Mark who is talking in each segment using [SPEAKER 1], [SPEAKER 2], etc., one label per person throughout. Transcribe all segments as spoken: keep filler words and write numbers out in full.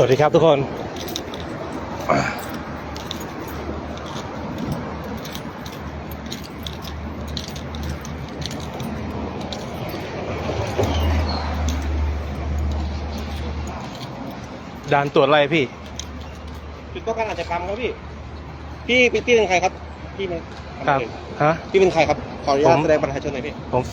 [SPEAKER 1] วัสดีครับทุกคนด่านตรวจอะไรพี่
[SPEAKER 2] จุดป้องกันอาชญากรรมครับพี่พี่พี่เป็นใครครับพี่เป็น
[SPEAKER 1] ครับฮะ
[SPEAKER 2] พี่เป็นใครครับขออนุญาตแสดงบัตรประชาชนหน่อยพี่
[SPEAKER 1] ผม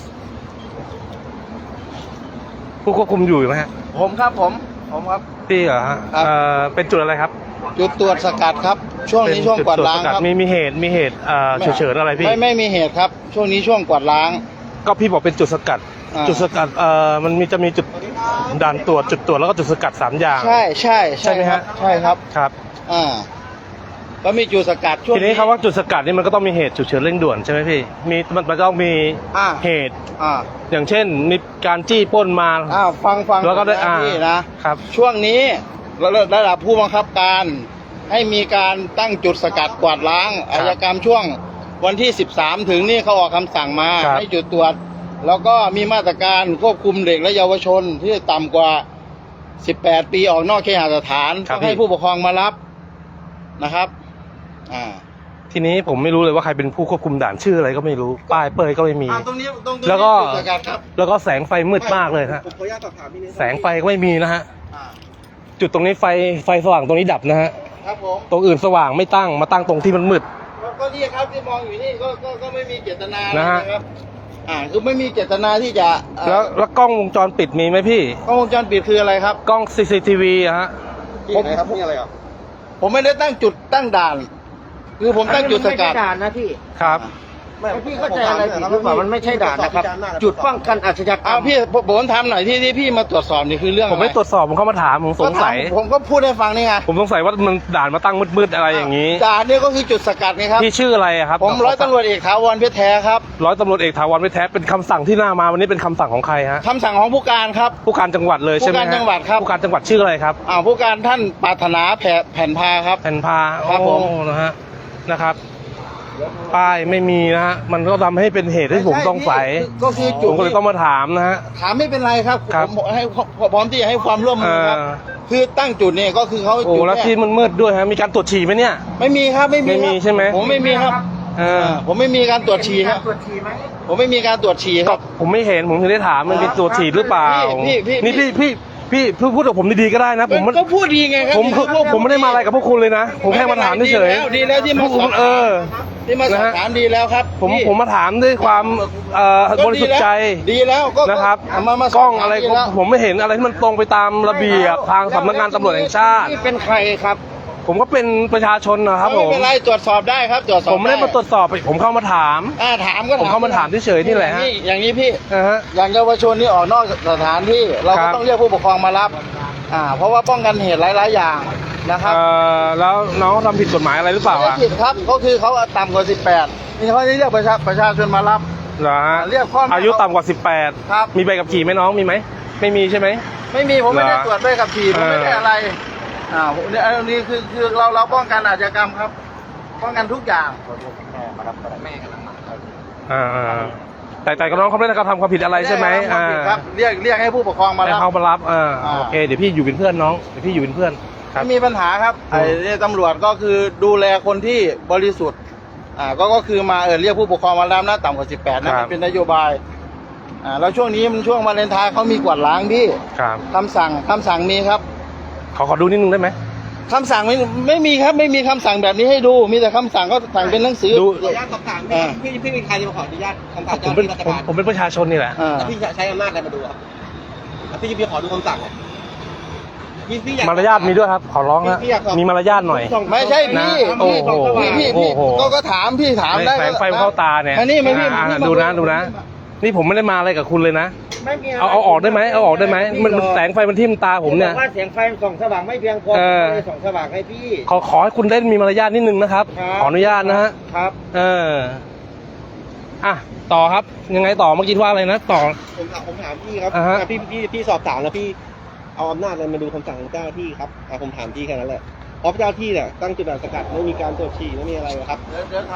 [SPEAKER 1] ผู้ควบคุมอยู่ไหมฮะ
[SPEAKER 3] ผมครับผมผมครับ
[SPEAKER 1] พี่เหรอฮะเอ่อเป็นจุดอะไรครับ
[SPEAKER 3] จุดตรวจสกัดครับช่วงนี้ช่วงกวาดล้างครับ
[SPEAKER 1] มีมีเหตุมีเหตุเอ่อเฉิดอะไรพี่
[SPEAKER 3] ไม่ไม่มีเหตุครับช่วงนี้ช่วงกวาดล้าง
[SPEAKER 1] ก็พี่บอกเป็นจุดสกัดจุดสกัดเอ่อมันมีจะมีจุดด่านตรวจจุดตรวจแล้วก็จุดสกัดสามอย่าง
[SPEAKER 3] ใช่ใช่
[SPEAKER 1] ใช่ไหมฮะ
[SPEAKER 3] ใช่ครับ
[SPEAKER 1] ครับ
[SPEAKER 3] อ่าก็มีจุดสกัดช่วง
[SPEAKER 1] ทีนี้คำว่าจุดสกัดนี่มันก็ต้องมีเหตุฉุกเฉินเร่งด่วนใช่ไหมพี่มีมันมันต้องมีเหตุ
[SPEAKER 3] อ่า
[SPEAKER 1] อย่างเช่นมีการจี้ปล้นมา
[SPEAKER 3] อ้าวฟังฟัง
[SPEAKER 1] แล้วก็ได้อ่า
[SPEAKER 3] นะครับช่วงนี้ระดับผู้บังคับการให้มีการตั้งจุดสกัดกวาดล้างอาชญากรรมช่วงวันที่สิบสามถึงนี่เขาออกคำสั่งมาให้จุดตรวจแล้วก็มีมาตรการควบคุมเด็กและเยาวชนที่ต่ำกว่าสิบแปดปีออกนอกเคหสถานต้องให้ผู้ปกครองมารับนะครับอ่า
[SPEAKER 1] ทีนี้ผมไม่รู้เลยว่าใครเป็นผู้ควบคุมด่านชื่ออะไรก็ไม่รู้ป้ายเปยก็ไม่มี
[SPEAKER 3] ตรงนี้ตรงนี้
[SPEAKER 1] แล้วก็แล้วก็แสงไฟมืดมากเลยฮะ
[SPEAKER 2] ผมขออนุญาตสอบถามพี่นิด
[SPEAKER 1] แสงไฟก็ไม่มีนะฮะจุดตรงนี้ไฟไฟสว่างตรงนี้ดับนะฮะ
[SPEAKER 3] ครับผม
[SPEAKER 1] ตรงอื่นสว่างไม่ตั้งมาตั้งตรงที่มันมืด
[SPEAKER 3] ก็นี่ครับที่มองอยู่นี่ก็ก็ก็ไม่มีเจตนานะครับอ่าคือไม่มีเจตนาที่จะ
[SPEAKER 1] แล้วแล้วกล้องวงจรปิดมีไหมพี่
[SPEAKER 3] กล้องวงจรปิดคืออะไรครับ
[SPEAKER 1] กล้อง ซี ซี ที วี อะฮะ
[SPEAKER 2] ผมครับนี่อะไรอ่ะ
[SPEAKER 3] ผมไม่ได้ตั้งจุดตั้งด่านคือผมตั้งจุดสกัด
[SPEAKER 4] ด่านนะพี่
[SPEAKER 1] ครับ
[SPEAKER 4] พี่เข้าใจอะไรผิดหรือเปล่ามันไม่ใช่ด่านนะครับจุดป้องกันอาชญากรรม
[SPEAKER 3] พี่ผมทำหน่อยที่ที่พี่มาตรวจสอบนี่คือเรื่อง
[SPEAKER 1] ผมไม่ตรวจสอบผมเข้ามาถามผมสงสัย
[SPEAKER 3] ผมก็พูดให้ฟังนี่ไง
[SPEAKER 1] ผมสงสัยว่ามันด่านมาตั้งมืดๆอะไรอย่างนี้
[SPEAKER 3] ด่านนี่ก็คือจุดสกัดไงครับ
[SPEAKER 1] พี่ชื่ออะไรครับ
[SPEAKER 3] ผมร้อยตำรวจเอกถาวรเพชรแท้ครับ
[SPEAKER 1] ร้อยตำรวจเอกถาวรเพชรแท้เป็นคำสั่งที่หน้ามาวันนี้เป็นคำสั่งของใครฮะ
[SPEAKER 3] คำสั่งของผู้การครับ
[SPEAKER 1] ผู้การจังหวัดเลยใช่ไหม
[SPEAKER 3] ผู้การจังหวัดครับ
[SPEAKER 1] ผู้การจังหวัดชื่ออะไรครับ
[SPEAKER 3] อ่าผู้การท่านปรารถนาแผ่นพาครับ
[SPEAKER 1] แผ่นพา
[SPEAKER 3] ครับผม
[SPEAKER 1] นะฮะนะครับป้ายไม่มีนะฮะมันก็ทำให้เป็นเหตุให้ผมต้องใส่
[SPEAKER 3] ก็คือ
[SPEAKER 1] ผมก็เลยต้องมาถามนะฮะ
[SPEAKER 3] ถามไม่เป็นไรครับผมให้พร้อมที่จะให้ความร่วมมือครับคือตั้งจุดเนี่ยก็คือเขา
[SPEAKER 1] โอ้แล้วที่มันมืดด้วยฮะมีการตรวจฉี่ไหมเนี่ย
[SPEAKER 3] ไม่มีครับไม่มี
[SPEAKER 1] ไม่มีใช่ไหม
[SPEAKER 3] ผมไม่มีครับเออผมไม่มีการตรวจฉี่ครับผมไม่มีการตรวจฉี่ครับ
[SPEAKER 1] ผมไม่เห็นผมถึงได้ถามมันมีตรวจฉี่หรือเปล่านี่พี่พี่พี่พูดกับผมดีๆก็ได้นะผม
[SPEAKER 3] ก็พูดดีไงครับ
[SPEAKER 1] ผมผมไม่ได้มาอะไรกับพวกคุณเลยนะผมแค่มาถามเฉย
[SPEAKER 3] ๆดีแล้วที่มาสอบ
[SPEAKER 1] เออ
[SPEAKER 3] ที่มาสอบถามดีแล้วครับ
[SPEAKER 1] ผมผมมาถามด้วยความบริสุทธิ์ใจ
[SPEAKER 3] ดีแล้วก็
[SPEAKER 1] นะครับกล้องอะไรผมไม่เห็นอะไรที่มันตรงไปตามระเบียบทางสำนักงานตำรวจแห่งชาติ
[SPEAKER 3] นี่เป็นใครครับ
[SPEAKER 1] ผมก็เป็นประชาชนนะครับผม
[SPEAKER 3] ไม่เป็นไรตรวจสอบได้ครับตรวจสอบ
[SPEAKER 1] ผมไม่ได้มาตรวจสอบผมเข้ามาถาม
[SPEAKER 3] อ่าถามก็
[SPEAKER 1] ผมเข้ามาถามเฉยๆนี่แหละฮะ
[SPEAKER 3] อย่างนี้พี่อย่างเยาวชนนี่ออกนอกสถานที่เราก็ต้องเรียกผู้ปกครองมารับอ่าเพราะว่าป้องกันเหตุหลายๆอย่างนะครับ
[SPEAKER 1] แล้วน้องทำผิดกฎหมายอะไรหรือเปล่า
[SPEAKER 3] ไม่ผิดครับก็คือเขาต่ำกว่าสิบแปดนี่เขาเรียกประชาประชาชนมารับ
[SPEAKER 1] เหรอฮะ
[SPEAKER 3] เรียกพ่อ
[SPEAKER 1] อายุต่ำกว่าสิบแปด
[SPEAKER 3] ครับ
[SPEAKER 1] มีใบขับขี่ไหมน้องมีไหมไม่มีใช่ไหม
[SPEAKER 3] ไม่มีผมไม่ได้ตรวจใบขับขี่ผมไม่ได้อะไรอ่าเนี่ยอันนี้คือคือเราเราป้องกันอาชญากรรมครับป้องกันทุกอย่าง
[SPEAKER 2] แม่มารับแม่กำลังมา
[SPEAKER 1] อ่าแต่แต่ก็น้องเขาไม่ได้กระทำความผิดอะไรใช่ไหมอ่า
[SPEAKER 3] ครับเรียกเรียกให้ผู้ปกครองมารับ
[SPEAKER 1] เขามารับอ่าโอเคเดี๋ยวพี่อยู่เป็นเพื่อนน้องเดี๋ยวพี่อยู่เป็นเพื่อน
[SPEAKER 3] ไม่มีปัญหาครับไอ้ตำรวจก็คือดูแลคนที่บริสุทธิ์อ่าก็ก็คือมาเออเรียกผู้ปกครองมารับนะต่ำกว่าสิบแปดนะเป็นนโยบายอ่าแล้วช่วงนี้มันช่วงวาเลนไทน์เขามีกวาดล้างพี่คำสั่งคำสั่งมีครับ
[SPEAKER 1] ขอขอดูนิดนึงได้ไหม
[SPEAKER 3] คำสั่งไม่ไม่มีครับไม่มีคำสั่งแบบนี้ให้ดูมีแต่คำสั่งก็สั่งเป็นหนังสือ
[SPEAKER 2] ดูขออนุญาตสอบถามพี่พี่เป็นใครจะมาขออนุญาตคำสั่ง
[SPEAKER 1] ผมเป็นผมเป็นประชาชนนี่แหละ
[SPEAKER 2] แล้วพี่ใช้อำนาจอะไรมาดูครับพี่พี่ขอดูคำสั่ง
[SPEAKER 1] มารยาทมีด้วยครับขอร้องนะมีมารยาทหน่อย
[SPEAKER 3] ไม่ใช่พี่
[SPEAKER 1] โอ้โห
[SPEAKER 3] พี่พี่ก็ถามพี่ถามได้
[SPEAKER 1] แสงไฟเข้าตาเนี่ย
[SPEAKER 3] นี่ไม่พี่
[SPEAKER 1] ดูนะดูนะนี่ผมไม่ได้มาอะไรกับคุณเลยนะเอาเอาออกได้ไหมเอาออกได้ไหมมันแสงไฟมันทิ่มตาผมเนี่ย
[SPEAKER 4] ว่าแสงไฟส่องสว่างไม่เพียงพอเลยส่องสว่างให้พี่
[SPEAKER 1] ขอขอให้คุณได้มีมารยาทนิดนึงนะครับขออนุญาตนะฮะ
[SPEAKER 4] ครับ
[SPEAKER 1] เอออ่ะต่อครับยังไงต่อเมื่อกี้ว่าอะไรนะต่อ
[SPEAKER 2] ผมถามผมถามพี่ครับพี่พี่พี่สอบถามแล้วพี่เอาอำนาจอะไรมาดูคำสั่งของเจ้าหน้าที่ครับผมถามพี่แค่นั้นแหละเพราะเจ้าที่เนี่ยตั้งจุดสกัดไม่มีการตรวจฉี่ไม่มีอะไรครับ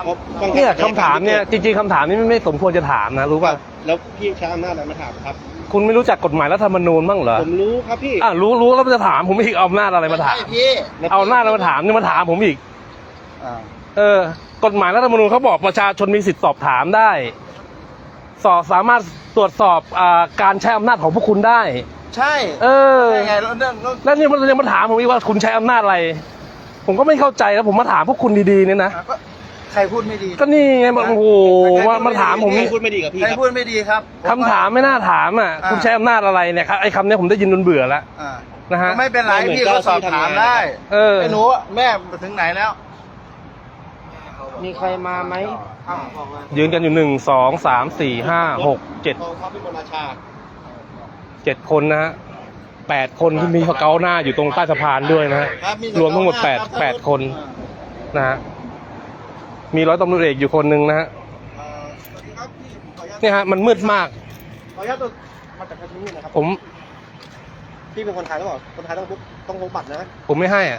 [SPEAKER 1] เนี่ยคำถามเนี่ยจริงๆคำถามนี้ไม่สมควรจะถามนะรู้ป่ะ
[SPEAKER 2] แล้วพี่ใช้อำนาจอะไรมาถามครับ
[SPEAKER 1] คุณไม่รู้จักกฎหมายรัฐธรรมนูญบ้างเหรอ
[SPEAKER 2] ผมรู้ครับพี่
[SPEAKER 1] อ่ะรู้รู้แล้วมันจะถามผมอีกเอาอำนาจอะไรมาถาม
[SPEAKER 3] ไใช่พี่
[SPEAKER 1] เอาอำนาจอะไรมาถามนี่มาถามผมอีก
[SPEAKER 3] อ่า
[SPEAKER 1] เออกฎหมายรัฐธรรมนูญเขาบอกประชาชนมีสิทธิสอบถามได้ สอบสามารถตรวจสอบอาการใช้อำนาจของพวกคุณได้
[SPEAKER 3] ใช่
[SPEAKER 1] เออ
[SPEAKER 3] ใช่ไงแล้วเรื่องเรื่อง
[SPEAKER 1] แล้วนี่มันยังมาถามผมอีกว่าคุณใช้อำนาจอะไร ผมก็ไม่เข้าใจแล้วผมมาถามพวกคุณดีๆเนี่ยนะ
[SPEAKER 3] อ่ะก็ใครพูดไม่ดี
[SPEAKER 1] ก็นี่ไงมันโอ้โหมามาถามผม
[SPEAKER 2] พี่พูดไม่ดีกับพี่
[SPEAKER 3] ใคร
[SPEAKER 2] ครับ
[SPEAKER 3] พูดไม่ดีครับ
[SPEAKER 1] คำถามไม่น่าถามอ่ะ
[SPEAKER 3] อ่า
[SPEAKER 1] คุณใช้อำนาจอะไรเนี่ยครับไอ้คำเนี้ยผมได้ยินจนเบื่อแล้ว
[SPEAKER 3] อ่า
[SPEAKER 1] นะฮะ
[SPEAKER 3] ก็ไม่เป็นไรพี่ก็สอบถามได้
[SPEAKER 1] เออ
[SPEAKER 3] ไอ้หนูแม่ถึงไหนแล้ว
[SPEAKER 4] มีใครมาไหม
[SPEAKER 3] อ้าวบอกว่า
[SPEAKER 1] ยืนกันอยู่หนึ่งสองสามสี่ห้าหกเจ็ด
[SPEAKER 2] กองทัพพิมลราชา
[SPEAKER 1] เจ็ดคนนะฮะแปดคนที่มีเกาหน้าอยู่ตรงใต้สะพานด้วยนะฮะ
[SPEAKER 3] ครับมี
[SPEAKER 1] รวมทั้งหมดแปด
[SPEAKER 3] ครับ
[SPEAKER 1] แปดคน
[SPEAKER 3] อ่า
[SPEAKER 1] นะฮะมีร้อยตำรวจเอกอยู่คนหนึ่งนะฮะ
[SPEAKER 2] เอ่อสวัสดีครับพี่ขออนุญาต
[SPEAKER 1] เนี่ยฮะมันมืดมาก
[SPEAKER 2] ขออนุญาตตัวมาจากที่นี่นะครับ
[SPEAKER 1] ผม
[SPEAKER 2] พี่เป็นคนไทยหรือเปล่าคนไทยต้องพกต้องพกบัตรนะ
[SPEAKER 1] ผมไม่ให้อ่ะ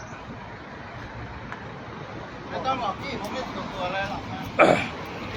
[SPEAKER 3] ไม่ต้องหรอกพี่ผมไม่ตกตัวอะไรหรอกนะ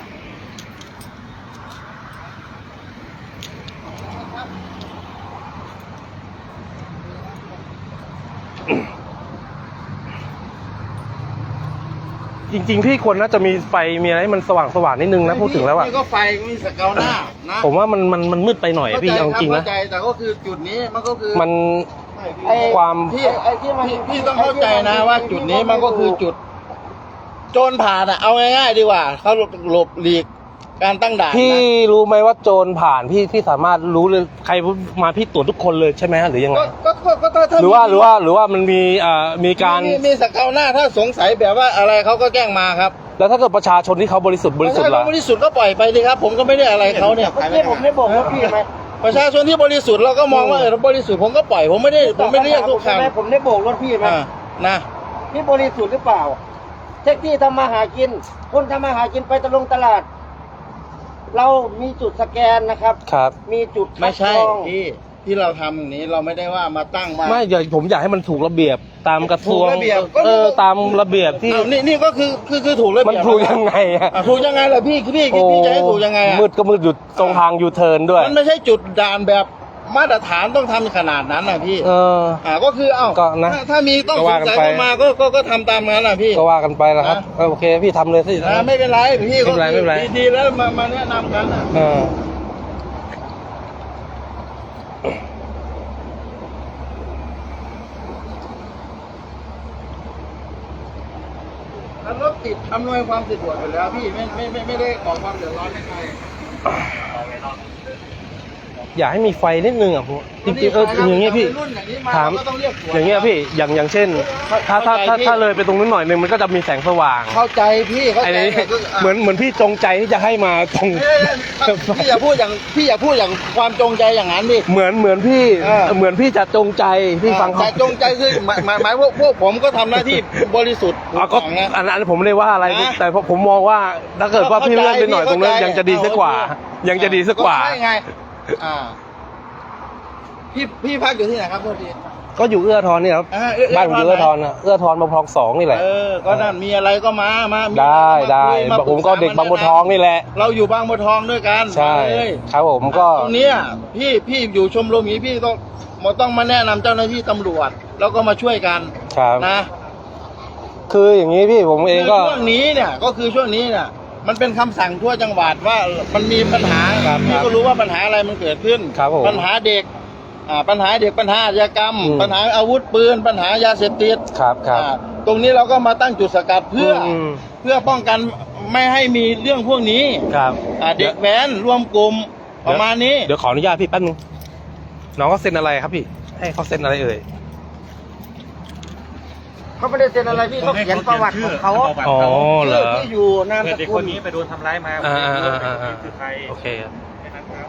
[SPEAKER 1] จริงๆพี่ควรน่าจะมีไฟมีอะไรให้มันสว่างสว่างๆนิดนึงนะพูดถึงแล้วอ่ะ
[SPEAKER 3] นี่ก็ไฟมีสเกลหน้านะ
[SPEAKER 1] ผมว่ามันมันมันมืดไปหน่อยอะพี่เอาจริงๆนะ
[SPEAKER 3] เข้าใจแต่ก็คือจุดนี้มันก็คือ
[SPEAKER 1] มัน
[SPEAKER 3] ไอ้
[SPEAKER 1] ความ
[SPEAKER 3] พี่ไอ้ที่มันพี่ต้องเข้าใจนะว่าจุดนี้มันก็คือจุด โจรผ่านอะเอาง่ายๆดีกว่าเขาหลบหลีกการตั้งด่าน
[SPEAKER 1] พี่
[SPEAKER 3] นะ
[SPEAKER 1] รู้ไหมว่าโจรผ่านพี่พี่สามารถรู้เลยใครมาพี่ตรวจทุกคนเลยใช่ไหมฮะหรือยังไง
[SPEAKER 3] ก็ก็ก็ก็ถ้าถ้
[SPEAKER 1] หรือว่าหรือว่าหรือว่ามันมีอ่ามีการ
[SPEAKER 3] มีมีสเกลหน้าถ้าสงสัยแบบว่าอะไรเขาก็แจ้งมาครับ
[SPEAKER 1] แล้วถ้าเกิดประชาชนที่เขาบริสุทธิ์บริสุทธิ์
[SPEAKER 3] ถ้า
[SPEAKER 1] ล่ะ
[SPEAKER 3] เขาบริสุทธิ์ก็ปล่อยไปเลยครับ ผมก็ไม่ได้อะไรเขาเนี่ย
[SPEAKER 4] เมื่อกี้ผมได้บอกว่าพี่ไหม
[SPEAKER 3] ประชาชนที่บริสุทธิ์เราก็มองว่าเออเราบริสุทธิ์ผมก็ปล่อยผมไม่ได้ผมไม่ได้เรียกทุกค
[SPEAKER 4] ใช่ไหมผมได้โบกรถพี่ไหม
[SPEAKER 3] ำอ่านะ
[SPEAKER 4] พี่บริสุทธิ์หรือเปล่าแท็กซี่ทำมาหากิน คนทำมาหากินไปตะลงตลาด เรามีจุดสแกนนะครับ
[SPEAKER 1] ครับ
[SPEAKER 4] มีจุดคั
[SPEAKER 3] ไม่
[SPEAKER 4] ด
[SPEAKER 3] ใช่
[SPEAKER 4] กรอง
[SPEAKER 3] ที่ที่เราทำอย่างนี้เราไม่ได้ว่ามาตั้งมา
[SPEAKER 1] ไม่อย่าผมอยากให้มันถูกระเบียบตามกระทรวง
[SPEAKER 3] ถูกระเบียบก็
[SPEAKER 1] เออตามระเบียบที่
[SPEAKER 3] อ้าวนี่นี่ก็คือคือคือถูกระ
[SPEAKER 1] มัน
[SPEAKER 3] เบียบ
[SPEAKER 1] ถูกยังไงอะ
[SPEAKER 3] อ่ะถูกยังไงล่ะพี่พี่พี่พี่จะให้ถูกยังไงอ่ะ
[SPEAKER 1] มืดก็มืดอยู่ตรงทางยูเทิร์นด้วย
[SPEAKER 3] มันไม่ใช่จุดด่านแบบมาตรฐานต้องทำขนาดนั้นนะพี่
[SPEAKER 1] เออ
[SPEAKER 3] อ่าก็คือเอ้า
[SPEAKER 1] ก็นะ
[SPEAKER 3] ถ้าถ้ามีต้อง
[SPEAKER 1] ก็
[SPEAKER 3] ส
[SPEAKER 1] ว่าง กัน
[SPEAKER 3] สัย
[SPEAKER 1] ไป
[SPEAKER 3] เข้ามาก็ก็ก็ทำตามนั้นนะพี่
[SPEAKER 1] ก็ว่ากันไปแล้วครับ
[SPEAKER 3] นะ
[SPEAKER 1] เออโอเคพี่ทำเลยสิ
[SPEAKER 3] อ่าไม่เป็นไรพี่ก็
[SPEAKER 1] ไม่เป็นไรไม่เป็นไร
[SPEAKER 3] ดีดีแล้วมามาแนะนำกันนะ
[SPEAKER 1] เออ
[SPEAKER 3] แล้วรถติดอำนวยความสะดวกอยู่แล้วพี่ไม่ไม่ไม่ไม่ได้ก่อความเดือดร้อนให้ใคร
[SPEAKER 1] อยากให้มีไฟนิดนึงอ่ะผมจริงๆเอออย่างเงี้ยพี่
[SPEAKER 3] รุ่นอย่างนี้มา
[SPEAKER 1] ถาม
[SPEAKER 3] เราก็ต้องเรียกตรวจ
[SPEAKER 1] อย่างเงี้ยพี่อย่างอย่างเช่น ถ้าถ้าถ้าถ้าเลยไปตรงนู้นหน่อยนึงมันก็จะมีแสงสว่าง
[SPEAKER 3] เข้าใจพี่เข้า
[SPEAKER 1] ไอ้
[SPEAKER 3] ใจ
[SPEAKER 1] นี่
[SPEAKER 3] แต่ก็ะ
[SPEAKER 1] เหมือนเหมือนพี่จงใจที่จะให้มาตรง
[SPEAKER 3] เอ้ยพี่อย่าพูดอย่างพี่อย่าพูดอย่างความจงใจอย่างนั้นดิ
[SPEAKER 1] เหมือนเหมือนพี่
[SPEAKER 3] เออ
[SPEAKER 1] เหมือนพี่จะจงใจพี่ฟังเขา
[SPEAKER 3] แต่จงใจคือหมายหมายหมายพวกพวกผมก็ทำหน้าที่บริสุทธิ์
[SPEAKER 1] อ่ะก็
[SPEAKER 3] ถูกต้องนะ
[SPEAKER 1] อันนั้นผมไม่ได้ว่าอะไร
[SPEAKER 3] นะ
[SPEAKER 1] แต่ผมมองว่าถ้าเกิดว่าพี่เลื่อนไปหน่อยตรงนั้น
[SPEAKER 3] เข้าใจ
[SPEAKER 1] ยังจะดีสักกว่า
[SPEAKER 3] เข้าใจ
[SPEAKER 1] ยังจะดีสักกว่า
[SPEAKER 3] ใช่ไงอ่าพี่พี่พักอยู่ที่ไหนครับโทษที
[SPEAKER 1] ก็อยู่เอื้อทอนนี่ครับ
[SPEAKER 3] อ่าเอื้อ
[SPEAKER 1] บ้านผมอยู่
[SPEAKER 3] เอื้
[SPEAKER 1] เอื้
[SPEAKER 3] อ
[SPEAKER 1] อ
[SPEAKER 3] ท
[SPEAKER 1] ท
[SPEAKER 3] อ
[SPEAKER 1] อน นน่ะเอื้อทอนบางพลองสองนี่แหละ
[SPEAKER 3] เออก็นั่นมีอะไรก็มามามี
[SPEAKER 1] ได้
[SPEAKER 3] มา
[SPEAKER 1] ได้
[SPEAKER 3] คุยมา
[SPEAKER 1] ผมก็
[SPEAKER 3] ปรึษ
[SPEAKER 1] เด็กบางบัวทองนี่แหละ
[SPEAKER 3] เราอยู่บางบัวทองด้วยกัน
[SPEAKER 1] ใช่
[SPEAKER 3] มาเลย
[SPEAKER 1] ครับผมก็
[SPEAKER 3] ตรงเนี้ยพี่พี่อยู่ชมรมนี้พี่ต้องมาต้องมาแนะนำเจ้าหน้าที่ตำรวจ แล้วก็มาช่วยกัน
[SPEAKER 1] ครับ
[SPEAKER 3] นะ
[SPEAKER 1] คืออย่างนี้พี่ผมเองก็
[SPEAKER 3] คือช่วงนี้เนี่ยก็คือช่วงนี้เนี่ยมันเป็นคำสั่งทั่วจังหวัดว่ามันมีปัญหา
[SPEAKER 1] ครับ
[SPEAKER 3] พี่
[SPEAKER 1] ครับ
[SPEAKER 3] ก็รู้ว่าปัญหาอะไรมันเกิดขึ้น
[SPEAKER 1] ครับผม
[SPEAKER 3] ปัญหาเด็กอ่าปัญหาเด็กปัญหาอาชญากรรม
[SPEAKER 1] อืม
[SPEAKER 3] ปัญหาอาวุธปืน ปัญหายาเสพติด
[SPEAKER 1] ครับครับ
[SPEAKER 3] อ่าตรงนี้เราก็มาตั้งจุดสกัดเพื่ออ
[SPEAKER 1] ม
[SPEAKER 3] เพื่อป้องกันไม่ให้มีเรื่องพวกนี้
[SPEAKER 1] ครับ
[SPEAKER 3] อ่าเด็กแว้นรวมกลุ่มประมาณนี้
[SPEAKER 1] เดี๋ยวขออนุญาตพี่แป๊บนึงน้องเขาเซ็นอะไรครับพี่ ให้เขาเซ็นอะไรเอ่ย
[SPEAKER 4] เขาไม่ได้เซ็นอะไรพี่เขาเขียนประวัติของเขา
[SPEAKER 1] อ๋อเหรอ
[SPEAKER 4] ชื่อที่อยู่นาม
[SPEAKER 5] เกิ
[SPEAKER 4] ส
[SPEAKER 5] ดเด็ก
[SPEAKER 4] กุ
[SPEAKER 5] ค
[SPEAKER 4] ล
[SPEAKER 5] นนี้ไปโดนทำร้ายมา
[SPEAKER 1] อ่า
[SPEAKER 5] ผม
[SPEAKER 1] อ่า
[SPEAKER 5] ไม่รู้
[SPEAKER 1] อ่า
[SPEAKER 5] ว่า
[SPEAKER 1] อ่า
[SPEAKER 5] เด็กคนนี้คือใคร
[SPEAKER 1] โอเค
[SPEAKER 5] แค่นั้นครับ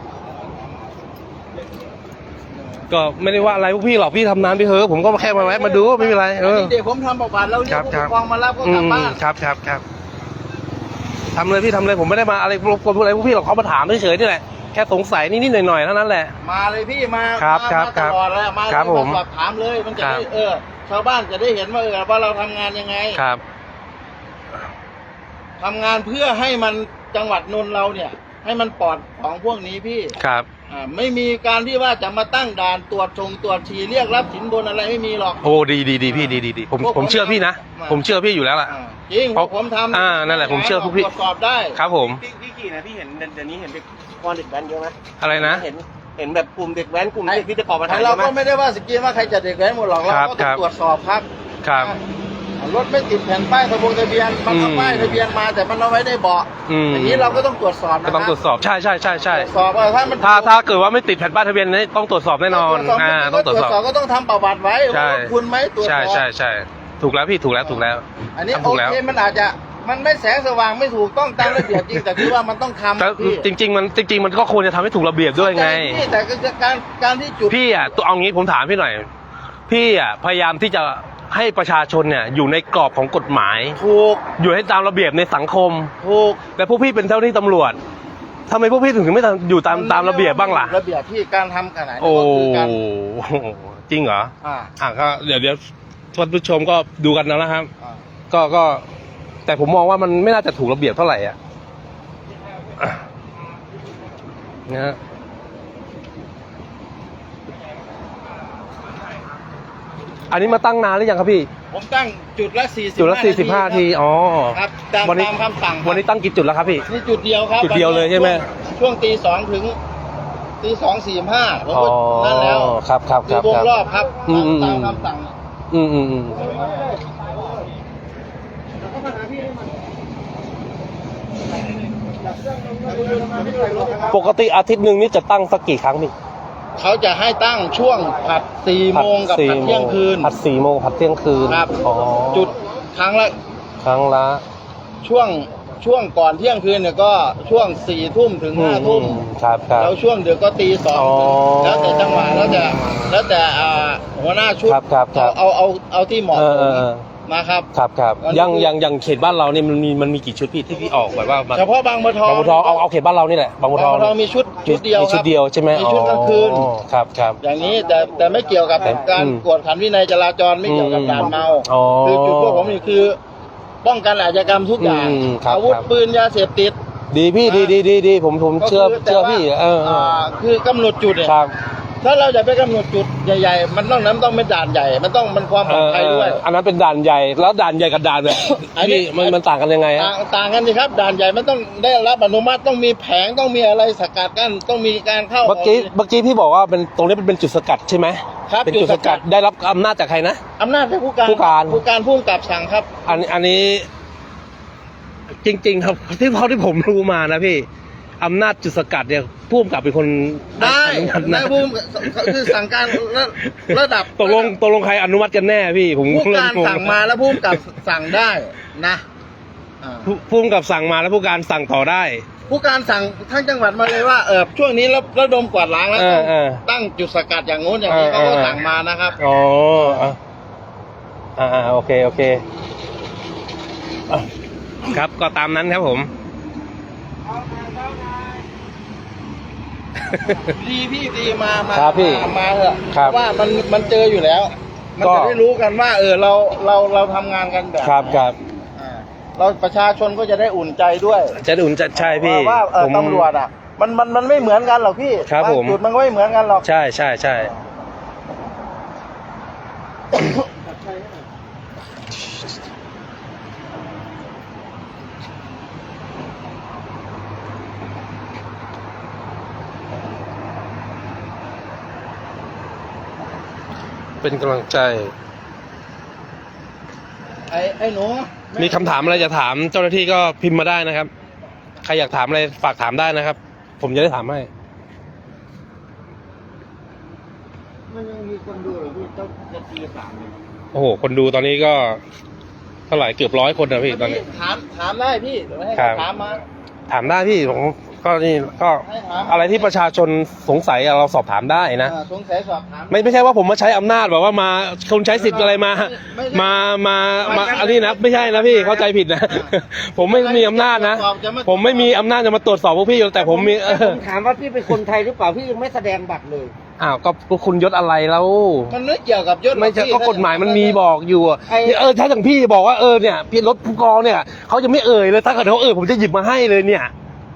[SPEAKER 1] ก็ไม่ได้ว่าอะไรพวกพี่หรอกพี่ทำนานพี่เถอะผมก็แค่มาแวะมาดูไม่เป็นไรเออ
[SPEAKER 3] เด็กผมทำประวัติแล้วเรีย
[SPEAKER 1] ครั
[SPEAKER 3] ก
[SPEAKER 1] บ
[SPEAKER 3] ผู้
[SPEAKER 1] ค
[SPEAKER 3] ป
[SPEAKER 1] รับ
[SPEAKER 3] กครองมารับก็
[SPEAKER 1] อื
[SPEAKER 3] กลับ
[SPEAKER 1] ม
[SPEAKER 3] บ้าน
[SPEAKER 1] ครับครับครับทำเลยพี่ทำเลยผมไม่ได้มาอะไรรบกวนพวกอะไรพวกพี่หรอกเขามาถามเฉยๆนี่แหละแค่สงสัยนิดๆหน่อยๆเท่านั้นแหละ
[SPEAKER 3] มาเลยพี่มา
[SPEAKER 1] ครับ
[SPEAKER 3] มา
[SPEAKER 1] ครับ
[SPEAKER 3] มาตลอดเลยมา
[SPEAKER 1] ครับ
[SPEAKER 3] เลย
[SPEAKER 1] ผม
[SPEAKER 3] มาสอบถามเลยมันจะ
[SPEAKER 1] ครั
[SPEAKER 3] ได้
[SPEAKER 1] บ
[SPEAKER 3] เออ ชาวบ้านจะได้เห็นว่าเออว่าเราทำงานยังไง
[SPEAKER 1] ครับ
[SPEAKER 3] ทำงานเพื่อให้มันจังหวัดนนท์เราเนี่ยให้มันปลอดของพวกนี้พี่
[SPEAKER 1] ครับ
[SPEAKER 3] อ่าไม่มีการที่ว่าจะมาตั้งด่านตรวจชงตรวจฉี่เรียกรับสินบนอะไรไม่มีหรอก
[SPEAKER 1] โอ้ดีดีดีพี่ดีดีดีผม
[SPEAKER 3] พวกผม
[SPEAKER 1] ผมเชื่อพี่นะ
[SPEAKER 3] มา
[SPEAKER 1] ผมเชื่อพี่อยู่แล้วล่ะ
[SPEAKER 3] อ่าจริง
[SPEAKER 1] เพราะ
[SPEAKER 3] ผมทำ
[SPEAKER 1] อ่านั่นแหละผมเชื่อพวกพี่
[SPEAKER 3] ตรวจสอบได้
[SPEAKER 1] ครับผม
[SPEAKER 2] พี่พี่ขี่นะพี่เห็นเดี๋ยวนี้เห็นเด็กกอนเด็กแว้นเยอะไหม
[SPEAKER 1] อะไรนะ
[SPEAKER 2] เห็นเห็นแบบกลุ่มเด็กแว้นกลุ่มเด็กที่จะก่อปัญหา
[SPEAKER 3] แต่
[SPEAKER 2] เย
[SPEAKER 3] เรา
[SPEAKER 2] อะไหม
[SPEAKER 3] ก็ไม่ได้ว่าสกีว่าใครจะเด็กแว้นหมดหรอกเรา
[SPEAKER 1] ครับ
[SPEAKER 3] ก็
[SPEAKER 1] ค
[SPEAKER 3] ต้อ
[SPEAKER 1] รั
[SPEAKER 3] ง
[SPEAKER 1] บ
[SPEAKER 3] ตรวจสอบครับ
[SPEAKER 1] ครับ
[SPEAKER 3] รถไม่ติดแผ่นป้ายทะบงทะเบียนมันเอา
[SPEAKER 1] อืม
[SPEAKER 3] ป้ายทะเบียนมาแต่มันเอาไว้ในเบาะ
[SPEAKER 1] อืม
[SPEAKER 3] อย่างนี้เราก็ต้องตรวจสอบนะ
[SPEAKER 1] ก็ต้องตรวจสอบใช่ใช่ใช่ใช่
[SPEAKER 3] ตรวจสอบว่าถ้ามัน
[SPEAKER 1] ถ้าถ้าเกิดว่าไม่ติดแผ่นป้ายทะเบียนนี่ต้องตรวจสอบแน่นอน
[SPEAKER 3] ตรวจสอบ
[SPEAKER 1] อ่า
[SPEAKER 3] ก็
[SPEAKER 1] ต้องตรวจสอบ
[SPEAKER 3] ก็ต้องทำประวัติไว้
[SPEAKER 1] ใช่
[SPEAKER 3] ว่าคุณไหมตรวจส
[SPEAKER 1] ใช่
[SPEAKER 3] อบ
[SPEAKER 1] ใช่ใช่ถูกแล้วพี่ถูกแล้วถูกแล้ว
[SPEAKER 3] อันนี้
[SPEAKER 1] ทำ
[SPEAKER 3] โอ
[SPEAKER 1] ถูกแล้ว
[SPEAKER 3] เคมันอาจจะมันไม่แสงสว่างไม่ถูกต้องตามระเบียบจริงแต่คือว่ามันต้องทำ
[SPEAKER 1] แต่
[SPEAKER 3] พี่
[SPEAKER 1] จริง ๆ มันจริง ๆ มันก็ควรจะทำให้ถูกระเบียบด้วยไง
[SPEAKER 3] พี่แต่ก็คือการการที่จุด
[SPEAKER 1] พี่อ่ะตัวเอางี้ผมถามพี่หน่อย พี่อ่ะพยายามที่จะให้ประชาชนเนี่ยอยู่ในกรอบของกฎหมาย
[SPEAKER 3] ถูก
[SPEAKER 1] อยู่ให้ตามระเบียบในสังคม
[SPEAKER 3] ถูก
[SPEAKER 1] แต่พวกพี่เป็นเจ้าหน้าที่ตำรวจทำไมพวกพี่ถึงไม่ทำอยู่ตามตามระเบียบบ้างล่ะ
[SPEAKER 3] ระเบียบที่การทำขนาดนี้
[SPEAKER 1] โอ้
[SPEAKER 3] ก็คือการ
[SPEAKER 1] จริงเหรอ
[SPEAKER 3] อ่า
[SPEAKER 1] อ่ะก็เดี๋ยวเดี๋ยวท่านผู้ชมก็ดูกันแล้วนะครับ
[SPEAKER 3] อ่า
[SPEAKER 1] ก็ก็ แต่ผมมองว่ามันไม่น่าจะถูกระเบียบเท่าไหร่อ่ะอ่ะนะฮะอันนี้มาตั้งนานหรือยังครับพี่
[SPEAKER 3] ผมตั้งจุดละสี่สิบ
[SPEAKER 1] จุดละสี่สิบห้าทีอ๋อ
[SPEAKER 3] ครับตาม
[SPEAKER 1] วันนี้
[SPEAKER 3] ตามคำสั่งครับ
[SPEAKER 1] วันนี้ตั้งกี่จุดแล้วครับพี่
[SPEAKER 3] นี่จุดเดียวครับ
[SPEAKER 1] จุดเดียวเลยใช่ไหม
[SPEAKER 3] ช่วงตีสองถึงตีสองสี่ห้าผม
[SPEAKER 1] อ๋อ
[SPEAKER 3] ก็นั่นแล้ว
[SPEAKER 1] ครับครับ
[SPEAKER 3] คื
[SPEAKER 1] ค
[SPEAKER 3] อ
[SPEAKER 1] รับ
[SPEAKER 3] วง
[SPEAKER 1] ครับ
[SPEAKER 3] รอบครับ
[SPEAKER 1] อืมอืม
[SPEAKER 3] ตามคำสั่ง
[SPEAKER 1] อืมอืมอืมปกติอาทิตย์หนึ่งนี่จะตั้งสักกี่ครั้งพี่
[SPEAKER 3] เขาจะให้ตั้งช่วงผัดสี่โมงกับ
[SPEAKER 1] สี่
[SPEAKER 3] ผัดเที่ยงคืน
[SPEAKER 1] ผัดสี่โมงผัดเที่ยงคืน
[SPEAKER 3] ครับ
[SPEAKER 1] อ๋อ
[SPEAKER 3] จุดครั้งละ
[SPEAKER 1] ครั้งละ
[SPEAKER 3] ช่วงช่วงก่อนเที่ยงคืนเนี่ยก็ช่วงสี่ทุ่มถึงห้าทุ่ม
[SPEAKER 1] อืครับครับ
[SPEAKER 3] แล้วช่วงดึกก็ตีสอง
[SPEAKER 1] อ๋อ
[SPEAKER 3] แล้วแต่จังหวะแล้วแต่แล้วแต่อ่าหัวหน้าชุด
[SPEAKER 1] ครับครับครับ
[SPEAKER 3] เอาเอาเอาเอาที่เหมาะ
[SPEAKER 1] เออ
[SPEAKER 3] ส
[SPEAKER 1] เอ
[SPEAKER 3] ม
[SPEAKER 1] อเออ
[SPEAKER 3] นะครับ
[SPEAKER 1] ครับครับ
[SPEAKER 3] อันนี้
[SPEAKER 1] ยังยังยังเขตบ้านเราเนี่ยมันมีมันมีกี่ชุดพี่ที่พี่ออกแบบว่ามา
[SPEAKER 3] เฉพาะบางบัวทอง
[SPEAKER 1] บางบัวทองเอาเอาเขตบ้านเรานี่แหละบางบัวทอง
[SPEAKER 3] บางบัวทองมีชุดชุดเดียว
[SPEAKER 1] มีชุด
[SPEAKER 3] ครับ
[SPEAKER 1] เดียวใช่ไหม
[SPEAKER 3] มีชุดกลางคืน
[SPEAKER 1] อ๋อครับครับ
[SPEAKER 3] อย่างนี้แต่แต่ไม่เกี่ยวกับ
[SPEAKER 1] แต่
[SPEAKER 3] การ
[SPEAKER 1] อืม
[SPEAKER 3] กวดขันวินัยจราจรไม่เกี่ยวกับ
[SPEAKER 1] อืม
[SPEAKER 3] ด่านเมา
[SPEAKER 1] อ๋อ
[SPEAKER 3] คือจุดพวกผมนี่คือป้องกันอาชญากรรมทุกอย่าง
[SPEAKER 1] อืมครับ
[SPEAKER 3] อาวุธ
[SPEAKER 1] ครับ
[SPEAKER 3] ปืนยาเสพติด
[SPEAKER 1] ดีพี่ดีดีดีดีผมผมเชื่อ
[SPEAKER 3] ก็คื
[SPEAKER 1] เชื่อ
[SPEAKER 3] แต่ว่า
[SPEAKER 1] พี่เออเออ
[SPEAKER 3] าคือกำหนดจุดเนี่ย
[SPEAKER 1] ครับ
[SPEAKER 3] ถ้าเราจะไปกำหนดจุดใหญ่ๆ มันต้องนั้นต้องเป็นด่านใหญ่ มันต้องมันความปลอดภัยด้วย
[SPEAKER 1] เออเอออันนั้นเป็นด่านใหญ่แล้วด่านใหญ่กับด่านแบบ
[SPEAKER 3] อันนี้
[SPEAKER 1] พี่มันมันต่างกันยังไง
[SPEAKER 3] ต่า
[SPEAKER 1] ฮะ
[SPEAKER 3] งต่างกันสิครับ ด่านใหญ่มันต้องได้รับอนุมัติต้องมีแผงต้องมีอะไรสกัดกั้นต้องมีการเข้า
[SPEAKER 1] เมื่อกี้เมื่อกี้พี่บอกว่าเป็นตรงนี้เป็นจุดสกัดใช่ไหม
[SPEAKER 3] ครับ
[SPEAKER 1] เป็น
[SPEAKER 3] จุ
[SPEAKER 1] จุ
[SPEAKER 3] ด
[SPEAKER 1] ด
[SPEAKER 3] ส
[SPEAKER 1] ส
[SPEAKER 3] กั
[SPEAKER 1] กั
[SPEAKER 3] ด
[SPEAKER 1] ดได้รับอำนาจจากใครนะ
[SPEAKER 3] อำนาจจากผู้การ
[SPEAKER 1] ผู้การ
[SPEAKER 3] ผู้การผู้กำกับสั่งครับ
[SPEAKER 1] อันอันนี้ จริง ๆ ครับที่เท่าที่ผมรู้มานะพี่อำนาจจุดสกัดเนี่ยผู้กำกับเป็นคน
[SPEAKER 3] ได้
[SPEAKER 1] อนุมัติ
[SPEAKER 3] ได้
[SPEAKER 1] นะ
[SPEAKER 3] ผู้คือสั่งการระระดับ
[SPEAKER 1] ตกลงตกลงใครอนุมัติกันแน่พี่ผม
[SPEAKER 3] ผู้การ
[SPEAKER 1] เริ่งง
[SPEAKER 3] สั่งมาแล้วผู้กำกับสั่งได้นะอ่า
[SPEAKER 1] ผู้ผู้กำกับสั่งมาแล้วผู้การสั่งต่อได้
[SPEAKER 3] ผู้การสั่งทั้งจังหวัดมาเลยว่าเออช่วงนี้ระระดมกวาดล้างแล้ว
[SPEAKER 1] เอ
[SPEAKER 3] ต้
[SPEAKER 1] อ
[SPEAKER 3] อง
[SPEAKER 1] เออ
[SPEAKER 3] ตั้งจุดสกัดอย่างงู้นอย่างนี้
[SPEAKER 1] เออ
[SPEAKER 3] เขาก็
[SPEAKER 1] เออ
[SPEAKER 3] สั่งมานะครับ
[SPEAKER 1] อ๋ออ่ะอ่าอ่าโอเคโอเคอ่ะครับก็ตามนั้นครับผม
[SPEAKER 3] ดีพี่ดีมามา
[SPEAKER 1] ครับพี่
[SPEAKER 3] มามาเถอะ
[SPEAKER 1] ครับ
[SPEAKER 3] เพราะว่ามันมันเจออยู่แล้ว มัน
[SPEAKER 1] ก็
[SPEAKER 3] จะได้รู้กันว่า เออเราเราเราทำงานกันแบบ
[SPEAKER 1] ครับครับ
[SPEAKER 3] อ่าเราประชาชนก็จะได้อุ่นใจด้วย
[SPEAKER 1] จะอุ่นจะใช่พี่
[SPEAKER 3] ว่าเออ
[SPEAKER 1] ผม
[SPEAKER 3] ตำรวจอ่ะ มันมันมันไม่เหมือนกันหรอกพี่
[SPEAKER 1] ครับผม
[SPEAKER 3] างจุดมันก็ไม่เหมือนกันหรอก
[SPEAKER 1] ใช่ใช่ใช่เป็นกำลังใจ
[SPEAKER 3] ไอ้ไอ้หนู
[SPEAKER 1] มีคำถามอะไรจะถามเจ้าหน้าที่ก็พิมพ์มาได้นะครับ ใครอยากถามอะไรฝากถามได้นะครับ ผมจะได้ถามให้
[SPEAKER 4] มันยังมีคนดูเหรอพี่ต้องจะตีสามเลย
[SPEAKER 1] โอ้โห คนดูตอนนี้ก็เท่าไหร่เกือบร้อยคนนะพี่ตอนนี้
[SPEAKER 3] ถามถามได้พี่เดี๋ยวให้
[SPEAKER 1] ครับ
[SPEAKER 3] ถามมา
[SPEAKER 1] ถามได้พี่ผมก็นี่ก็
[SPEAKER 3] ให้ถาม
[SPEAKER 1] อะไรที่ประชาชนสงสัยอะเราสอบถามได้นะ
[SPEAKER 3] อ่าสงสัยสอบถาม
[SPEAKER 1] ไม่ไม่ใช่ว่าผมมาใช้อำนาจแบบว่ามาคนใช้สิทธิ์อะไรมา
[SPEAKER 3] ไม่ใช่
[SPEAKER 1] มามามาอันนี้นะไม่ใช่นะพี่เข้าใจผิดนะ ผมไม่มีอำนาจนะ ผมไม่มีอำนาจจะมาตรวจสอบพวกพี่แต่ผมมีเอ
[SPEAKER 4] ผ
[SPEAKER 1] อ
[SPEAKER 4] มถามว่าพี่เป็นคนไทยหรือเปล่าพี่ยังไม่แสดงบัตรเลย
[SPEAKER 1] อ้าวก็ก็คุณยศอะไรแล้ว
[SPEAKER 3] มันไม่เกี่ยวกับยศหรอก
[SPEAKER 1] ไม่ใช่
[SPEAKER 3] พี่
[SPEAKER 1] ก็กฎหมายมันมีบอกอยู่อะ
[SPEAKER 4] ไอ้
[SPEAKER 1] เออถ้าอย่างพี่บอกว่าเออเนี่ยพี่รถผู้กองเนี่ยเขาจะไม่เอ่ยเลยถ้าเกิดเขาเอ่ยผมจะหยิบมาให้เลยเนี่ย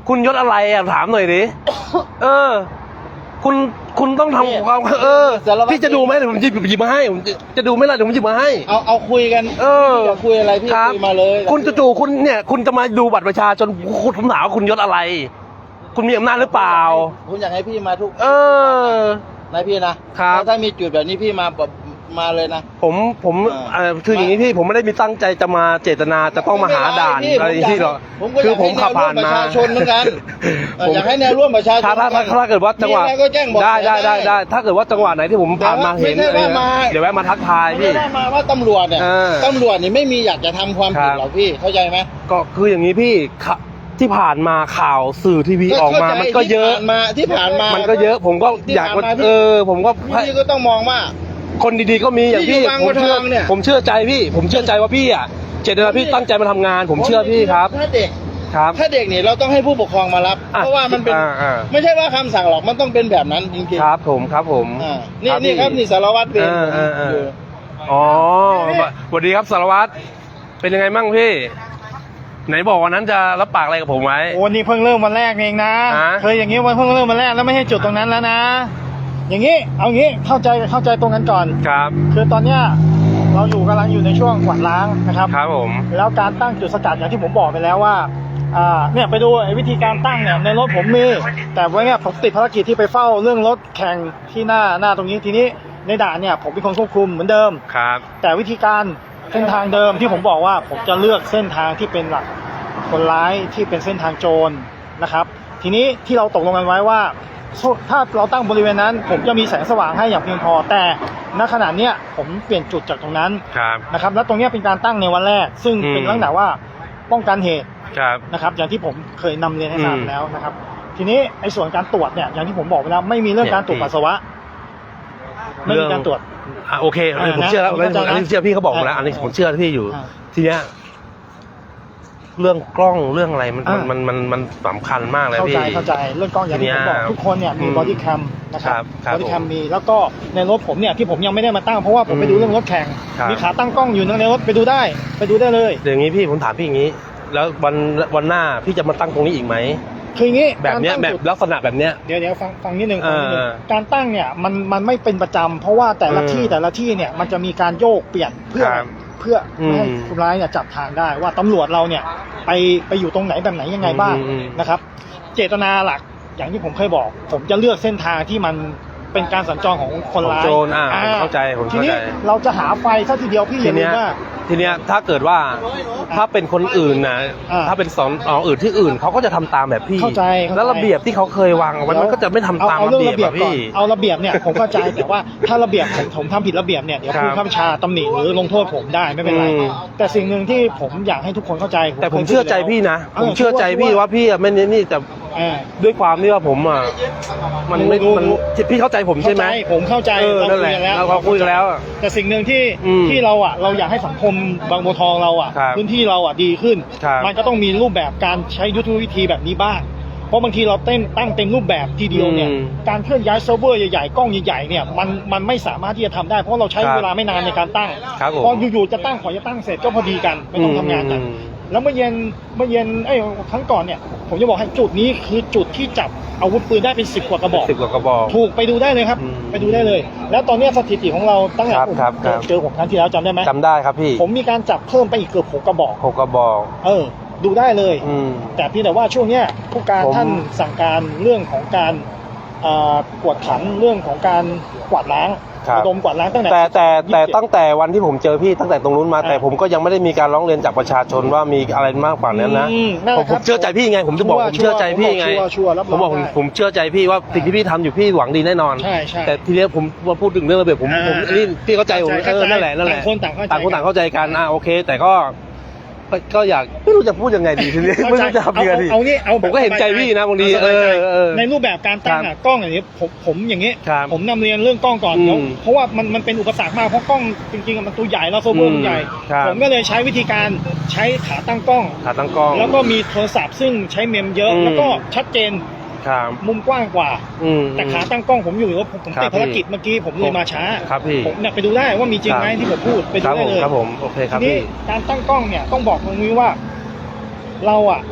[SPEAKER 1] คุณยศอะไรอ่ะถามหน่อยดิ เออ คุณคุณต้องทำความเออ
[SPEAKER 3] สารวัตร
[SPEAKER 1] พี่จะดูไหมเดี๋ยวผมหยิบหยิบมาให้ผมจะจะดูไหมล่ะเดี๋ยวผมหยิบมาให้
[SPEAKER 3] เอาเอาคุยกัน
[SPEAKER 1] เออ
[SPEAKER 3] พี่จะคุยอะไรพี่
[SPEAKER 1] ครับ
[SPEAKER 3] คุยมาเลย
[SPEAKER 1] คุณจู่ๆคุณเนี่ย คุณจะมาดูบัตรประชาชนคุณผมถามว่าคุณยศอะไร คุณมีอำนาจหรือเปล่า
[SPEAKER 3] ผมอยากให้พี่มาทุก
[SPEAKER 1] เออ
[SPEAKER 3] นะพี่นะครับ ถ้ามีจุดแบบนี้พี่มาแบบมาเลยนะ
[SPEAKER 1] ผมผม
[SPEAKER 3] อ่า
[SPEAKER 1] เอ่อคืออย่างนี้พี่ผมไม่ได้มีตั้งใจจะมาเจตนาจะต้องมาหาด่าน
[SPEAKER 3] ไม่เป็นไร
[SPEAKER 1] อะไรอย่างที่หรอก
[SPEAKER 3] ผมก็
[SPEAKER 1] คือ
[SPEAKER 3] อยาก
[SPEAKER 1] ผมขับผ่านมา
[SPEAKER 3] ให้แนวร่วมประชาชนเหมือนกันเออ
[SPEAKER 1] ผม
[SPEAKER 3] อยากให้แนวร่วมประชาชน
[SPEAKER 1] ถ้าถ้าถ้าถ้าเกิดว่าจังหวะ
[SPEAKER 3] มีอะไรก็แจ้งบอก
[SPEAKER 1] ได้ได้
[SPEAKER 3] ได้
[SPEAKER 1] ได้ได้ ถ้าเกิดว่าจังหวะไหนที่ผมผ่านมา
[SPEAKER 3] แต่ว่า
[SPEAKER 1] เห็น
[SPEAKER 3] ไม่ใช่ว่ามา
[SPEAKER 1] เดี๋ยวแวะมาทักทาย
[SPEAKER 3] ไม่
[SPEAKER 1] พี่
[SPEAKER 3] ได้มาว่าตำรวจเนี่ย
[SPEAKER 1] เออ
[SPEAKER 3] ตำรวจนี่ไม่มีอยากจะทำความผิด
[SPEAKER 1] ครับ
[SPEAKER 3] หรอกพี่เข้าใจไหม
[SPEAKER 1] ก็คืออย่างนี้พี่ขะที่ผ่านมาข่าวสื่อทีวีออกมา มันก็เยอะ
[SPEAKER 3] ที่ผ่านมาที่ผ่านมา
[SPEAKER 1] มันก็เยอะ ผมก็
[SPEAKER 3] ที่
[SPEAKER 1] อยาก
[SPEAKER 3] ผ่านมาพี่
[SPEAKER 1] เออ ผมก็
[SPEAKER 3] พี่ก็ต้องมองว่า
[SPEAKER 1] คนดีๆก็มีอย่างพี่
[SPEAKER 3] ที่อยู่บาง
[SPEAKER 1] ผมเชื่อ
[SPEAKER 3] บัวทองเนี่ย
[SPEAKER 1] ผมเชื่อใจพี่ ผมเชื่อใจว่าพี่อ่ะเจตนาพี่ตั้งใจมาทำงาน ผมเชื่อพี่ครับ
[SPEAKER 3] ถ้าเด็ก
[SPEAKER 1] ครับ
[SPEAKER 3] ถ้าเด็กนี่เราต้องให้ผู้ปกครองมารับ
[SPEAKER 1] อ่ะ
[SPEAKER 3] เพราะว่ามันเป็น
[SPEAKER 1] อ่าอ่า
[SPEAKER 3] ไม่ใช่ว่าคำสั่งหรอกมันต้องเป็นแบบนั้นจริงๆ
[SPEAKER 1] ครับผมครับผม
[SPEAKER 3] อ่านี่นี่ครับนี่สารวัตรเวร
[SPEAKER 1] เออเออเออ
[SPEAKER 3] อยู่
[SPEAKER 1] อ๋อสวัสดีครับสารวัตรเป็นยังไงมั่งพี่ ไหนบอกวันนั้นจะรับปากอะไรกับผมไว้
[SPEAKER 5] โอ้นี่เพิ่งเริ่มวันแรกเองนะ
[SPEAKER 1] ฮะ
[SPEAKER 5] เคยอย่างนี้วันเพิ่งเริ่มวันแรกแล้วไม่ใช่จุดตรงนั้นแล้วนะ อย่างนี้เอางี้เข้าใจเข้าใจตรงกันก่อน
[SPEAKER 1] ครับ
[SPEAKER 5] คือตอนเนี้ยเราอยู่กำลังอยู่ในช่วงกวาดล้างนะครับ
[SPEAKER 1] ครับผม
[SPEAKER 5] แล้วการตั้งจุดสกัดอย่างที่ผมบอกไปแล้วว่าอ่าเนี่ยไปดูไอ้วิธีการตั้งเนี่ยในรถผมมี แต่ว่าเนี่ยผมติดภารกิจที่ไปเฝ้าเรื่องรถแข่งที่หน้าหน้าตรงนี้ทีนี้ในด่านเนี่ยผมเป็นคนควบคุมเหมือนเดิม
[SPEAKER 1] ครับ
[SPEAKER 5] แต่วิธีการเส้นทางเดิมที่ผมบอกว่าผมจะเลือกเส้นทางที่เป็นหลักคนร้ายที่เป็นเส้นทางโจรนะครับ ทีนี้ที่เราตกลงกันไว้ว่าถ้าเราตั้งบริเวณนั้น ผมจะมีแสงสว่างให้อย่างเพียงพอ แต่ณขณะเนี้ยผมเปลี่ยนจุดจากตรงนั้น
[SPEAKER 1] ครับ
[SPEAKER 5] นะครับ แล้วตรงเนี้ยเป็นการตั้งในวันแรก ซึ่ง
[SPEAKER 1] อืม
[SPEAKER 5] เป็นลักษณะว่าป้องกันเหตุ
[SPEAKER 1] ครับ
[SPEAKER 5] นะครับ อย่างที่ผมเคยนำเรียนให้ทราบ
[SPEAKER 1] อืม
[SPEAKER 5] แล้วนะครับ ทีนี้ไอ้ส่วนการตรวจเนี่ยอย่างที่ผมบอกไปแล้วไม่มีเรื่องการตรวจปัสสาวะไม่มีการตรวจ
[SPEAKER 1] อ่ะโอเคอันนี้ผม
[SPEAKER 5] อ่านะ
[SPEAKER 1] เชื่อแล้ว
[SPEAKER 5] ผมเข้าใจนะ
[SPEAKER 1] อันนี้เชื่อพี่เขาบอกผมแล้ว
[SPEAKER 5] อ่า
[SPEAKER 1] อันนี้ผมเชื่อพี่อยู่
[SPEAKER 5] อ่า
[SPEAKER 1] ทีเนี้ยเรื่องกล้องเรื่องอะไรมัน
[SPEAKER 5] อ่ามั
[SPEAKER 1] มันมันมันสำคัญมากเลย
[SPEAKER 5] เข้า
[SPEAKER 1] พี่
[SPEAKER 5] ใจเข้าใจเรื่องกล้องอย่างที่ผมบอก
[SPEAKER 1] ทีเนี้ย
[SPEAKER 5] ทุกคนเนี่ยมี
[SPEAKER 1] อืม
[SPEAKER 5] บอดี้แคมนะค
[SPEAKER 1] ครั
[SPEAKER 5] รั
[SPEAKER 1] บบ ครับ
[SPEAKER 5] บอดี้แคม
[SPEAKER 1] ผม
[SPEAKER 5] มีแล้วก็ในรถผมเนี่ยที่ผมยังไม่ได้มาตั้งเพราะว่าผมไป
[SPEAKER 1] อืม
[SPEAKER 5] ดูเรื่องรถแข่ง
[SPEAKER 1] ครับ
[SPEAKER 5] มีขาตั้งกล้องอยู่ในรถไปดูได้ไปดูได้เลย
[SPEAKER 1] เดี๋ยวอย่างนี้พี่ผมถามพี่อย่างนี้ แล้ววันวันหน้าพี่จะมาตั้งตรงนี้อีกไหม
[SPEAKER 5] คืออย่างนี้
[SPEAKER 1] แบบเนี้ย
[SPEAKER 5] การ
[SPEAKER 1] แบ
[SPEAKER 5] ตั้ง
[SPEAKER 1] บ
[SPEAKER 5] จุด
[SPEAKER 1] ลักษณะแบบเนี้ย
[SPEAKER 5] เดี๋ยวเดี๋ยวฟังฟังนิดนึงฟังนิดนึง
[SPEAKER 1] เออ
[SPEAKER 5] การตั้งเนี่ยมันมันไม่เป็นประจำเพราะว่าแต่ละ
[SPEAKER 1] เออ
[SPEAKER 5] ที่แต่ละที่เนี่ยมันจะมีการโยกเปลี่ยนเพื่อ
[SPEAKER 1] ครับ
[SPEAKER 5] เพื่อไม่ให้
[SPEAKER 1] อืม
[SPEAKER 5] คนร้ายเนี่ยจับทางได้ว่าตำรวจเราเนี่ยไปไปอยู่ตรงไหนแบบไหนยังไงบ้าง
[SPEAKER 1] อืมอืม
[SPEAKER 5] นะครับ เจตนาหลักอย่างที่ผมเคยบอก ผมจะเลือกเส้นทางที่มันเป็นการสัญจรของคนร้าย
[SPEAKER 1] ของโจรอ่าผมเข้าใจผม
[SPEAKER 5] ที
[SPEAKER 1] เข้า
[SPEAKER 5] นี้
[SPEAKER 1] ใจ
[SPEAKER 5] เราจะหาไฟซะทีเดียวพี่อ
[SPEAKER 1] ที
[SPEAKER 5] ย่าลื
[SPEAKER 1] เนี้
[SPEAKER 5] ม
[SPEAKER 1] ย
[SPEAKER 5] ว่า
[SPEAKER 1] ทีเนี้ยถ้าเกิดว่าถ้าเป็นคนอื่นนะ
[SPEAKER 5] อ่า
[SPEAKER 1] ถ้าเป็นสอนออื่นที่อื่นเขาก็จะทำตามแบบพี่
[SPEAKER 5] เข้าใจเข้าใจ
[SPEAKER 1] แล้วระเบียบที่เขาเคยวางเอาไว้มันก็จะไม่ทำตาม
[SPEAKER 5] เอา
[SPEAKER 1] ระ
[SPEAKER 5] เรื่อง
[SPEAKER 1] เบียบ
[SPEAKER 5] ระเบียบ
[SPEAKER 1] อะ
[SPEAKER 5] ก่อน
[SPEAKER 1] พี่
[SPEAKER 5] เอาระเบียบเนี่ยผมเข้าใจแต่ว่าถ้าระเบียบผมผมทำผิดระเบียบเนี่ยเดี๋ยว
[SPEAKER 1] ครับ
[SPEAKER 5] ผู้ข้าบัญชาตำหนิหรือลงโทษผมได้ไม่เป็นไร
[SPEAKER 1] อืม
[SPEAKER 5] แต่สิ่งหนึ่งที่ผมอยากให้ทุกคนเข้าใจ
[SPEAKER 1] แต่ผม
[SPEAKER 5] คยพูด
[SPEAKER 1] เชื่อใจ
[SPEAKER 5] แล้ว
[SPEAKER 1] พี่นะ
[SPEAKER 5] เออ
[SPEAKER 1] ผมเชื่อใจพี่ว่าพี่อะไม่นี่นี่แต่
[SPEAKER 5] เออ
[SPEAKER 1] ด้วยความที่ว่าผมอ่ะมันไม่
[SPEAKER 5] รู้
[SPEAKER 1] มัน
[SPEAKER 5] รู้
[SPEAKER 1] พี่เข้าใจผมใช่ไหม
[SPEAKER 5] เข้าใจผมเข้าใจ
[SPEAKER 1] เออนั่นแหละ
[SPEAKER 5] คุยกั
[SPEAKER 1] เราคุยกันแล้ว
[SPEAKER 5] แต่สิ่งหนึ่งที่
[SPEAKER 1] อืม
[SPEAKER 5] ที่เราอ่ะเราอยากให้สังคมบางบัวทองเราอ่ะ
[SPEAKER 1] ครับ
[SPEAKER 5] พื้นที่เราอ่ะดีขึ้น
[SPEAKER 1] ครับ
[SPEAKER 5] มันก็ต้องมีรูปแบบการใช้ยุทธวิธีแบบนี้บ้างเพราะบางทีเราเต้นตั้งเต็มรูปแบบทีเดียวเนี่ย
[SPEAKER 1] อืม
[SPEAKER 5] การเคลื่อนย้ายเซิร์ฟเวอร์ใหญ่ๆกล้องใหญ่ๆเนี่ยมันมันไม่สามารถที่จะทำได้เพราะเราใช้
[SPEAKER 1] ครับ
[SPEAKER 5] เวลาไม่นานในการตั้ง
[SPEAKER 1] ครับผม
[SPEAKER 5] พออยู่ๆจะตั้งขอจะตั้งเสร็จก็พอดีกันไม่ต้องทำงานกัน
[SPEAKER 1] อืม
[SPEAKER 5] แล้วเมื่อเย็นเมื่อเย็นไอ้ยครั้งก่อนเนี่ยผมจะบอกให้จุดนี้คือจุดที่จับอาวุธปืนได้เป็นสิบกว่ากระบอก
[SPEAKER 1] สิบกว่ากระบอก
[SPEAKER 5] ถูกไปดูได้เลยครับ
[SPEAKER 1] อืม
[SPEAKER 5] ไปดูได้เลย แล้วตอนเนี้ยสถิติของเราตั้งแต่
[SPEAKER 1] ครับ
[SPEAKER 5] ผม
[SPEAKER 1] ครับครับ
[SPEAKER 5] เจอผมครั้งที่แล้วจำได้ไหม
[SPEAKER 1] จำได้ครับพี่
[SPEAKER 5] ผมมีการจับเพิ่มไปอีกเกือบหกกระบอก
[SPEAKER 1] หกกระบอก
[SPEAKER 5] เออ ดูได้เลย
[SPEAKER 1] อืม
[SPEAKER 5] แต่เพี่แต่ว่าช่วงเนี้ยผู้การ
[SPEAKER 1] ผม
[SPEAKER 5] ท่านสั่งการเรื่องของการอ่ากวดขันเรื่องของการกวาดล้าง
[SPEAKER 1] ครับ
[SPEAKER 5] ระดมกวาดล้างตั้งแต่
[SPEAKER 1] แต่แต่แต่
[SPEAKER 5] ยี่สิบเจ็ด
[SPEAKER 1] ตั้งแต่วันที่ผมเจอพี่ตั้งแต่ตรงนู้นมา
[SPEAKER 5] อ่า
[SPEAKER 1] แต่ผมก็ยังไม่ได้มีการร้องเรียนจากประชาชนว่ามีอะไรมากกว่านั้นนะ
[SPEAKER 5] อืมนั่นแห
[SPEAKER 1] ผ
[SPEAKER 5] ละ
[SPEAKER 1] ม
[SPEAKER 5] ค
[SPEAKER 1] ผ
[SPEAKER 5] รับ
[SPEAKER 1] มเชื่อใจพี่ไง ผมจะบอก
[SPEAKER 5] ชัวร์
[SPEAKER 1] ผมเชื่อใจพี่ไง
[SPEAKER 5] ชัวร์ชัวร์รับรอง
[SPEAKER 1] ผมบอกผม
[SPEAKER 5] ได้
[SPEAKER 1] ผมเชื่อใจพี่ว่าสิ่งที่พี่ทำอยู่พี่หวังดีแน่นอน
[SPEAKER 5] ใช่ใช่
[SPEAKER 1] แต่ทีเนี้ยผมมาพูดถึงเรื่องระเบียบผม
[SPEAKER 5] อ่า
[SPEAKER 1] ผมนี่พี่เข้าใจผม
[SPEAKER 5] เข้าใจ
[SPEAKER 1] เออนั่นแหละนั่นแหละ
[SPEAKER 5] ต่างคนต่างเข้าใจ
[SPEAKER 1] ต่างคนต่างเข้าใจกันอ่าโอเค แต่ก็ก็ก็อยากไม่รู้จะพูดยังไงดีทีนี้ไม่รู้จะทำยังไงดี
[SPEAKER 5] เอาเอางี้เอา
[SPEAKER 1] ผมก็เห็นใจพี่นะบางที
[SPEAKER 5] เอาสบายใจ
[SPEAKER 1] เออเออ
[SPEAKER 5] ในรูปแบบการตั้ง
[SPEAKER 1] ครั
[SPEAKER 5] อะ
[SPEAKER 1] บ
[SPEAKER 5] กล้องอย่างนี้ผมผมอย่างนี้
[SPEAKER 1] ครับ
[SPEAKER 5] ผมนำเรียนเรื่องกล้องก่อน
[SPEAKER 1] อืม
[SPEAKER 5] แล้วเพราะว่ามันมันเป็นอุปสรรคมากเพราะกล้องจริงๆอะมันตัวใหญ่แล้วโซเวอร์มันใหญ่
[SPEAKER 1] ครับ
[SPEAKER 5] ผมก็เลยใช้วิธีการใช้ขาตั้งกล้อง
[SPEAKER 1] ขาตั้งกล้อง
[SPEAKER 5] แล้วก็มีโทรศัพท์ซึ่งใช้เมมเยอะ
[SPEAKER 1] อืม
[SPEAKER 5] แล้วก็ชัดเจน
[SPEAKER 1] ครับ
[SPEAKER 5] มุมกว้างกว่า
[SPEAKER 1] อืม
[SPEAKER 5] แต่ขาตั้งกล้องผมอยู่ว่าผมผม
[SPEAKER 1] ครับ
[SPEAKER 5] ติดภารกิจเมื่อกี้ผมเลยมาช้า
[SPEAKER 1] ครับพี่
[SPEAKER 5] ผมเนี่ยไปดูได้ว่ามีจริงไหม
[SPEAKER 1] ครับ
[SPEAKER 5] ที่ผมพูดไป
[SPEAKER 1] ค
[SPEAKER 5] ดู
[SPEAKER 1] รับ
[SPEAKER 5] ได้
[SPEAKER 1] ผม
[SPEAKER 5] เลย
[SPEAKER 1] ครับผมโอเคครับ
[SPEAKER 5] ทีนี้
[SPEAKER 1] พี่
[SPEAKER 5] การตั้งกล้องเนี่ยต้องบอกตรงนี้ว่าเราอะ